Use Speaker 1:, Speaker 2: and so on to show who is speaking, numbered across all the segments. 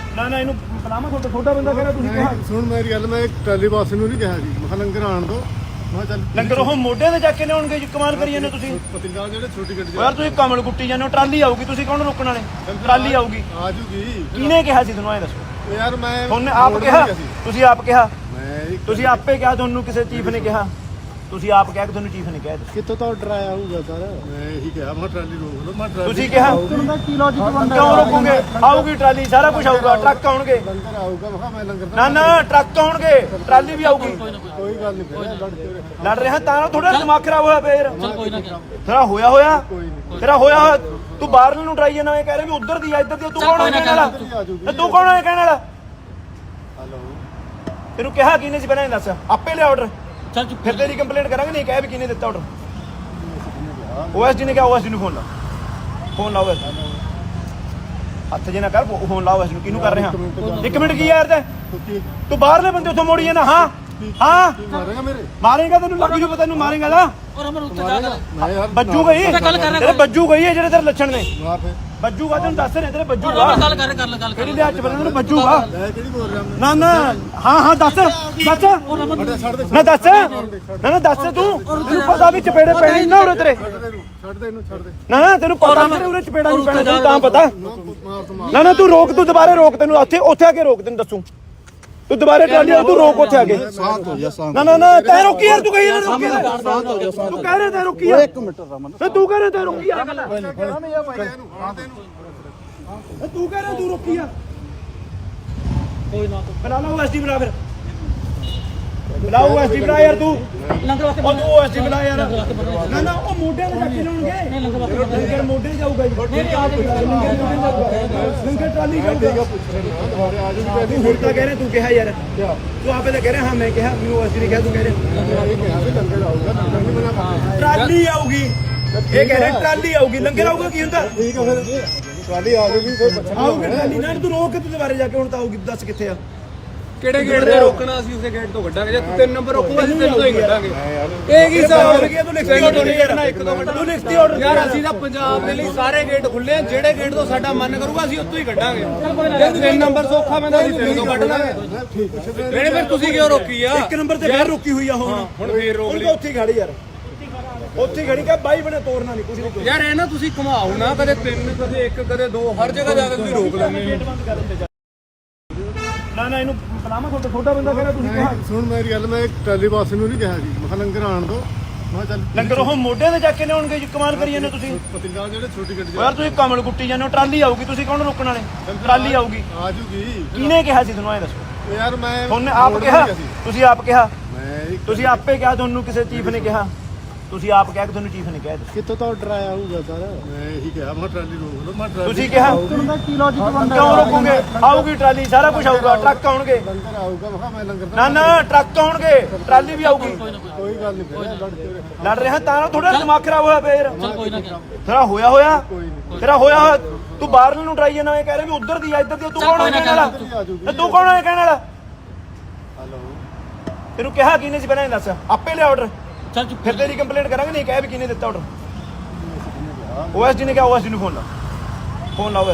Speaker 1: ਨਾ ਨਾ ਇਹਨੂੰ ਬੁਲਾਵਾਂ ਛੋਟਾ ਬੰਦਾ ਕਹਿੰਦਾ ਤੁਸੀਂ ਕਿਹਾ
Speaker 2: ਸੁਣ ਮੇਰੀ ਗੱਲ, ਮੈਂ ਟਰਾਲੀ ਬਾਸ ਨੂੰ ਨਹੀਂ ਕਿਹਾ ਜੀ, ਮੈਂ ਲੰਗਰ ਆਣ ਦੋ। ਮੈਂ ਚੱਲ
Speaker 1: ਲੰਗਰ ਉਹ ਮੋਢਿਆਂ ਤੇ ਚੱਕ ਕੇ ਲਿਆਉਣਗੇ ਜੀ, ਕਮਾਲ ਕਰੀ ਜਾਂਦੇ ਤੁਸੀਂ
Speaker 2: ਪਤਿੰਗਾ ਜਿਹੜੇ ਛੋਟੀ ਗੱਡੀ
Speaker 1: ਯਾਰ। ਤੁਸੀਂ ਕਮਲ ਕੁੱਟੀ ਜਾਂਦੇ ਹੋ, ਟਰਾਲੀ ਆਊਗੀ, ਤੁਸੀਂ ਕੌਣ ਰੋਕਣ ਵਾਲੇ? ਟਰਾਲੀ ਆਊਗੀ।
Speaker 2: ਆ ਜੂਗੀ।
Speaker 1: ਕਿਹਨੇ ਕਿਹਾ ਸੀ ਤੁਹਾਨੂੰ? ਐ ਦੱਸੋ
Speaker 2: ਯਾਰ ਮੈਂ
Speaker 1: ਤੁਹਾਨੂੰ ਆਪ ਕਿਹਾ? ਤੁਸੀਂ ਆਪ ਕਿਹਾ?
Speaker 2: ਮੈਂ
Speaker 1: ਤੁਸੀਂ ਆਪੇ ਕਿਹਾ? ਤੁਹਾਨੂੰ ਕਿਸੇ ਚੀਫ ਨੇ ਕਿਹਾ? ਤੁਸੀਂ ਆਪ ਕਿਹਾ ਕਿ ਤੁਹਾਨੂੰ ਚੀਫ ਨੇ ਕਿਹਾ?
Speaker 2: ਕਿੱਥੋਂ ਤੋਂ ਆਰਡਰ ਆਇਆ ਹੋਊਗਾ ਸਰ? ਮੈਂ ਇਹੀ ਕਿਹਾ ਮੈਂ ਟਰਾਲੀ ਰੋਕ ਲਓ। ਮੈਂ ਟਰਾਲੀ
Speaker 1: ਤੁਸੀਂ ਕਿਹਾ
Speaker 2: ਕੀ ਲੌਜੀਕ ਬਣਦਾ?
Speaker 1: ਕਿਉਂ ਰੋਕੋਗੇ? ਆਊਗੀ ਟਰਾਲੀ, ਸਾਰਾ ਕੁਝ ਆਊਗਾ, ਟਰੱਕ ਆਉਣਗੇ।
Speaker 2: ਲੰਗਰ ਆਊਗਾ, ਮੈਂ ਲੰਗਰ
Speaker 1: ਨਾ ਨਾ ਟਰੱਕ ਆਉਣਗੇ, ਟਰਾਲੀ ਵੀ ਆਊਗੀ।
Speaker 2: ਕੋਈ ਗੱਲ ਨਹੀਂ,
Speaker 1: ਲੜ ਰਿਹਾ ਤਾਂ ਥੋੜਾ ਦਿਮਾਗ ਖਰਾਬ ਹੋਇਆ ਫੇਰ। ਤੇਰਾ ਹੋਇਆ ਤੇਰਾ ਹੋਇਆ। ਤੂੰ ਬਾਹਰਲੇ ਨੂੰ ਟਰਾਈ ਜਾਣਾ, ਇਹ ਕਹਿ ਰਿਹਾ ਵੀ ਉਧਰ ਦੀ ਆ ਇੱਧਰ ਦੀ। ਤੂੰ ਕੌਣ ਹੈ ਕਹਿਣ ਵਾਲਾ? ਤੂੰ ਕੌਣ ਹੈ ਕਹਿਣ ਵਾਲਾ?
Speaker 2: ਹਲੋ
Speaker 1: ਤੈਨੂੰ ਕਿਹਾ ਕਿਹਨੇ ਸੀ ਪਹਿਲਾਂ ਇਹ ਦੱਸ? ਆਪੇ ਲਿਆ ਆਰਡਰ।
Speaker 3: ਚੱਲ
Speaker 1: ਫਿਰ ਤੇਰੀ ਕੰਪਲੇਂਟ ਕਰਾਂਗੇ। ਨਹੀਂ ਕਹਿ ਵੀ ਕਿਹਨੇ ਦਿੱਤਾ ਆਰਡਰ? ਓਐਸਡੀ ਨੇ ਕਿਹਾ। ਓਐਸਡੀ ਨੂੰ ਫੋਨ ਲਾ, ਫੋਨ ਲਾਓ। ਹੱਥ ਜੇ ਨਾ ਕਰ, ਫੋਨ ਲਾਓ ਓਐਸਡੀ ਨੂੰ। ਕਿਹਨੂੰ ਕਰ ਰਿਹਾ? 1 ਮਿੰਟ ਕੀ ਯਾਰ ਤੂੰ ਬਾਹਰਲੇ ਬੰਦੇ ਉੱਥੋਂ ਮੋੜੀ ਜਾਂਦਾ। ਹਾਂ ਹਾਂ
Speaker 2: ਮਾਰੇਗਾ ਮੇਰੇ?
Speaker 1: ਮਾਰੇਗਾ, ਤੈਨੂੰ ਲੱਗ ਜੂ ਪਤਾ। ਤੈਨੂੰ ਮਾਰੇਗਾ ਨਾ,
Speaker 3: ਔਰ ਅਮਰ ਉੱਤੇ ਜਾ ਕਰ
Speaker 2: ਮੈਂ ਯਾਰ
Speaker 1: ਬੱਜੂ ਗਈ ਤੇਰੇ, ਬੱਜੂ ਗਈ ਹੈ ਜਿਹੜੇ ਤੇਰੇ ਲੱਛਣ ਨੇ।
Speaker 2: ਮਾਰ ਫੇ
Speaker 1: ਬੱਜੂਗਾ, ਤੈਨੂੰ ਦੱਸ ਰਹੇ ਤੇਰੇ ਬੱਜੂਗਾ।
Speaker 3: ਗੱਲ ਕਰ
Speaker 1: ਕਿਹੜੀ ਦੇ ਹੱਥ ਬੰਨਣ ਨੂੰ ਬੱਜੂਗਾ?
Speaker 2: ਮੈਂ ਕਿਹੜੀ ਬੋਲ ਰਿਹਾ?
Speaker 1: ਨਾ ਨਾ ਹਾਂ ਦੱਸ
Speaker 2: ਛੱਡ ਦੇ
Speaker 1: ਨਾ ਦੱਸ ਨਾ ਦੱਸ ਤੈਨੂੰ ਪਤਾ ਵੀ ਚਪੇੜੇ ਪੈਣੇ ਨਾ ਉਰੇ ਤੇਰੇ।
Speaker 2: ਛੱਡ ਦੇ ਇਹਨੂੰ, ਛੱਡ ਦੇ।
Speaker 1: ਨਾ ਤੈਨੂੰ ਪਤਾ ਤੇਰੇ ਉਰੇ ਚਪੇੜਾ ਨਹੀਂ ਪੈਣਾ ਤੈਨੂੰ ਤਾਂ ਪਤਾ।
Speaker 2: ਮਾਰ ਤੋਂ ਮਾਰ।
Speaker 1: ਨਾ ਤੂੰ ਰੋਕ, ਤੂੰ ਦੁਬਾਰੇ ਰੋਕ। ਤੈਨੂੰ ਉੱਥੇ ਆ ਕੇ ਰੋਕ, ਤੈਨੂੰ ਦੱਸੂ। ਤੂੰ ਦੁਬਾਰੇ ਟਰਾਲੀ ਤੂੰ ਰੋਕ ਉੱਥੇ ਆ ਕੇ।
Speaker 2: ਸਾਥ ਹੋ ਜਾ ਸਾਥ।
Speaker 1: ਨਾ ਤੈਂ ਰੋਕੀ ਯਾਰ। ਤੂੰ ਕਹੀ ਯਾਰ ਰੋਕੀ। ਤੂੰ ਕਹਿ ਰਿਹਾ ਤੈਂ ਰੋਕੀ ਯਾਰ।
Speaker 2: 1 ਮਿੰਟ ਰਮਨ।
Speaker 1: ਤੂੰ ਕਹਿ ਰਿਹਾ ਤੈਂ ਰੋਕੀ ਯਾਰ।
Speaker 2: ਇਹਨੂੰ ਫੜਾ ਦੇ ਇਹਨੂੰ।
Speaker 1: ਤੂੰ ਕਹਿ ਰਿਹਾ ਤੂੰ ਰੋਕੀ ਯਾਰ।
Speaker 3: ਕੋਈ ਨਾ
Speaker 1: ਬੁਲਾ ਲਾ ਓਐਸਡੀ, ਬੁਲਾ ਫਿਰ। ਬੁਲਾ ਓਐਸਡੀ, ਬੁਲਾ ਯਾਰ ਤੂੰ।
Speaker 3: ਲੰਗਰ ਵਾਸਤੇ
Speaker 1: ਉਹ ਤੂੰ ਓਐਸਡੀ ਬੁਲਾ ਯਾਰ। ਨਾ ਨਾ ਉਹ ਮੋਢਿਆਂ ਤੇ ਚੱਕ ਕੇ ਲਾਉਣਗੇ। ਲੰਗਰ ਮੋਢੇ ਜਾਊਗਾ ਜੀ। ਲੰਗਰ ਟਰਾਲੀ ਜਾਊਗਾ। ਹੁਣ ਤਾਂ ਕਹਿ ਰਿਹਾ ਤੂੰ ਕਿਹਾ ਯਾਰ। ਤੂੰ ਆਪੇ ਤਾਂ ਕਹਿ ਰਿਹਾ। ਹਾਂ ਮੈਂ ਕਿਹਾ, ਮੈਨੂੰ ਓਐਸਡੀ ਨੇ ਕਿਹਾ। ਤੂੰ ਕਹਿ ਰਿਹਾ
Speaker 2: ਇਹ ਕਿਹਾ ਵੀ ਲੰਗਰ ਆਊਗਾ, ਲੰਗਰ ਨਹੀਂ ਬਣਾ ਪਾਉਂਦੇ।
Speaker 1: ਟਰਾਲੀ ਆਊਗੀ। ਇਹ ਕਹਿ ਰਿਹਾ ਟਰਾਲੀ ਆਊਗੀ। ਲੰਗਰ ਆਊਗਾ ਕੀ ਹੁੰਦਾ?
Speaker 2: ਠੀਕ ਹੈ ਫਿਰ ਟਰਾਲੀ ਆ ਜੂਗੀ, ਫਿਰ ਪੁੱਛਣਾ
Speaker 1: ਆਊਗੀ ਟਰਾਲੀ। ਨਾ ਤੂੰ ਰੋਕ ਕੇ ਤੂੰ ਦੁਬਾਰੇ ਜਾ ਕੇ ਹੁਣ ਤਾਂ ਆਊਗੀ। ਦੱਸ ਕਿੱਥੇ ਆ?
Speaker 4: ਕਿਹੜੇ ਗੇਟ ਤੇ ਰੋਕਣਾ? ਅਸੀਂ ਉਸੇ ਗੇਟ ਤੋਂ ਕੱਢਾਂਗੇ। ਜੇ ਤੂੰ 3 ਨੰਬਰ ਰੋਕੂਗਾ ਅਸੀਂ 3 ਤੋਂ ਹੀ ਕੱਢਾਂਗੇ।
Speaker 1: ਇਹ ਕੀ ਹਿਸਾਬ ਹੋ ਗਿਆ? ਤੂੰ ਲਿਖਤੀ ਆਰਡਰ ਨਹੀਂ ਕਰਨਾ। ਇੱਕ ਦੋ ਮਿੰਟ ਤੂੰ ਲਿਖਤੀ ਆਰਡਰ
Speaker 4: ਯਾਰ ਅਸੀਂ ਤਾਂ ਪੰਜਾਬ ਦੇ ਲਈ ਸਾਰੇ ਗੇਟ ਖੁੱਲੇ ਆ। ਜਿਹੜੇ ਗੇਟ ਤੋਂ ਸਾਡਾ ਮਨ ਕਰੂਗਾ ਅਸੀਂ ਉੱਥੋਂ ਹੀ ਕੱਢਾਂਗੇ। ਜੇ 3 ਨੰਬਰ ਸੌਖਾ ਪੈਂਦਾ ਅਸੀਂ 3 ਤੋਂ ਕੱਢ ਲਾਂਗੇ। ਨਹੀਂ ਫਿਰ ਤੁਸੀਂ ਕਿਉਂ ਰੋਕੀ ਆ?
Speaker 1: 1 ਨੰਬਰ ਤੇ ਫੇਰ ਰੁਕੀ ਹੋਈ ਆ। ਹੁਣ
Speaker 4: ਫੇਰ ਰੋਕ ਲਈ।
Speaker 1: ਉੱਥੇ ਖੜੀ ਯਾਰ, ਉੱਥੇ ਖੜੀ। ਕਾ ਬਾਈ ਬਣੇ ਤੋੜਨਾ ਨਹੀਂ ਕੁਝ ਨਹੀਂ।
Speaker 4: ਯਾਰ ਇਹ ਨਾ ਤੁਸੀਂ ਘੁਮਾਓ ਨਾ, ਕਦੇ 3 ਕਦੇ 1 ਕਦੇ 2 ਹਰ ਜਗ੍ਹਾ ਜਾ ਕੇ ਤੁਸੀਂ ਰੋਕ ਲੈਂਦੇ ਹੋ।
Speaker 1: ਨਾ ਇਹਨੂੰ ਬੁਲਾਵਾਂ ਛੋਟਾ ਬੰਦਾ ਕਹਿੰਦਾ ਤੁਸੀਂ ਕਿਹਾ।
Speaker 2: ਸੁਣ ਮੇਰੀ ਗੱਲ, ਮੈਂ ਟਰਾਲੀ ਬਾਸ ਨੂੰ ਨਹੀਂ ਕਿਹਾ ਜੀ, ਮੈਂ ਲੰਗਰ ਆਣ ਦੋ। ਮੈਂ ਚੱਲ
Speaker 1: ਲੰਗਰ ਉਹ ਮੋਢਿਆਂ ਤੇ ਚੱਕ ਕੇ ਲਿਆਉਣਗੇ ਜੀ, ਕਮਾਲ ਕਰੀ ਜਾਂਦੇ ਤੁਸੀਂ
Speaker 2: ਪਤਿੰਗਾ ਜਿਹੜੇ ਛੋਟੀ ਗੱਡੀ
Speaker 1: ਯਾਰ। ਤੁਸੀਂ ਕਮਲ ਕੁੱਟੀ ਜਾਂਦੇ ਹੋ, ਟਰਾਲੀ ਆਊਗੀ, ਤੁਸੀਂ ਕੌਣ ਰੋਕਣ ਵਾਲੇ? ਟਰਾਲੀ ਆਊਗੀ।
Speaker 2: ਆ ਜੂਗੀ।
Speaker 1: ਕਿਹਨੇ ਕਿਹਾ ਸੀ ਤੁਹਾਨੂੰ? ਐ ਦੱਸੋ
Speaker 2: ਯਾਰ ਮੈਂ
Speaker 1: ਤੁਹਾਨੂੰ ਆਪ ਕਿਹਾ? ਤੁਸੀਂ ਆਪ ਕਿਹਾ?
Speaker 2: ਮੈਂ
Speaker 1: ਤੁਸੀਂ ਆਪੇ ਕਿਹਾ? ਤੁਹਾਨੂੰ ਕਿਸੇ ਚੀਫ ਨੇ ਕਿਹਾ? ਤੁਸੀਂ ਆਪ ਕਿਹਾ ਕਿ ਤੁਹਾਨੂੰ ਚੀਫ ਨੇ ਕਿਹਾ?
Speaker 2: ਕਿੱਥੋਂ ਤੋਂ ਆਰਡਰ ਆਇਆ ਹੋਊਗਾ ਸਰ? ਮੈਂ ਇਹੀ ਕਿਹਾ ਮੈਂ ਟਰਾਲੀ ਰੋਕ ਲਓ। ਮੈਂ ਟਰਾਲੀ
Speaker 1: ਤੁਸੀਂ ਕਿਹਾ
Speaker 2: ਕੀ ਲੌਜੀਕ ਬਣਦਾ?
Speaker 1: ਕਿਉਂ ਰੋਕੋਗੇ? ਆਊਗੀ ਟਰਾਲੀ, ਸਾਰਾ ਕੁਝ ਆਊਗਾ, ਟਰੱਕ ਆਉਣਗੇ।
Speaker 2: ਲੰਗਰ ਆਊਗਾ, ਮੈਂ ਲੰਗਰ
Speaker 1: ਨਾ ਨਾ ਟਰੱਕ ਆਉਣਗੇ, ਟਰਾਲੀ ਵੀ ਆਊਗੀ।
Speaker 2: ਕੋਈ ਗੱਲ ਨਹੀਂ,
Speaker 1: ਲੜ ਰਿਹਾ ਤਾਂ ਥੋੜਾ ਦਿਮਾਗ ਖਰਾਬ ਹੋਇਆ ਫੇਰ।
Speaker 3: ਕੋਈ ਨਾ
Speaker 1: ਤੇਰਾ ਹੋਇਆ ਤੇਰਾ ਹੋਇਆ। ਤੂੰ ਬਾਹਰਲੇ ਨੂੰ ਟਰਾਈ ਜਾਣਾ, ਇਹ ਕਹਿ ਰਿਹਾ ਵੀ ਉਧਰ ਦੀ ਆ ਇੱਧਰ ਦੀ। ਤੂੰ ਕੌਣ ਹੈ ਕਹਿਣ ਵਾਲਾ? ਤੂੰ ਕੌਣ ਹੈ ਕਹਿਣ ਵਾਲਾ?
Speaker 2: ਹਲੋ
Speaker 1: ਤੈਨੂੰ ਕਿਹਾ ਕਿਹਨੇ ਸੀ ਪਹਿਲਾਂ ਇਹ ਦੱਸ? ਆਪੇ ਲਿਆ ਆਰਡਰ।
Speaker 3: ਚੱਲ
Speaker 1: ਫਿਰ ਤੇਰੀ ਕੰਪਲੇਂਟ ਕਰਾਂਗੇ। ਨਹੀਂ ਕਹਿ ਵੀ ਕਿਹਨੇ ਦਿੱਤਾ ਆਰਡਰ? ਓਐਸਡੀ ਨੇ ਕਿਹਾ। ਓਐਸਡੀ ਨੂੰ ਫੋਨ ਲਾ, ਫੋਨ ਲਾਓ।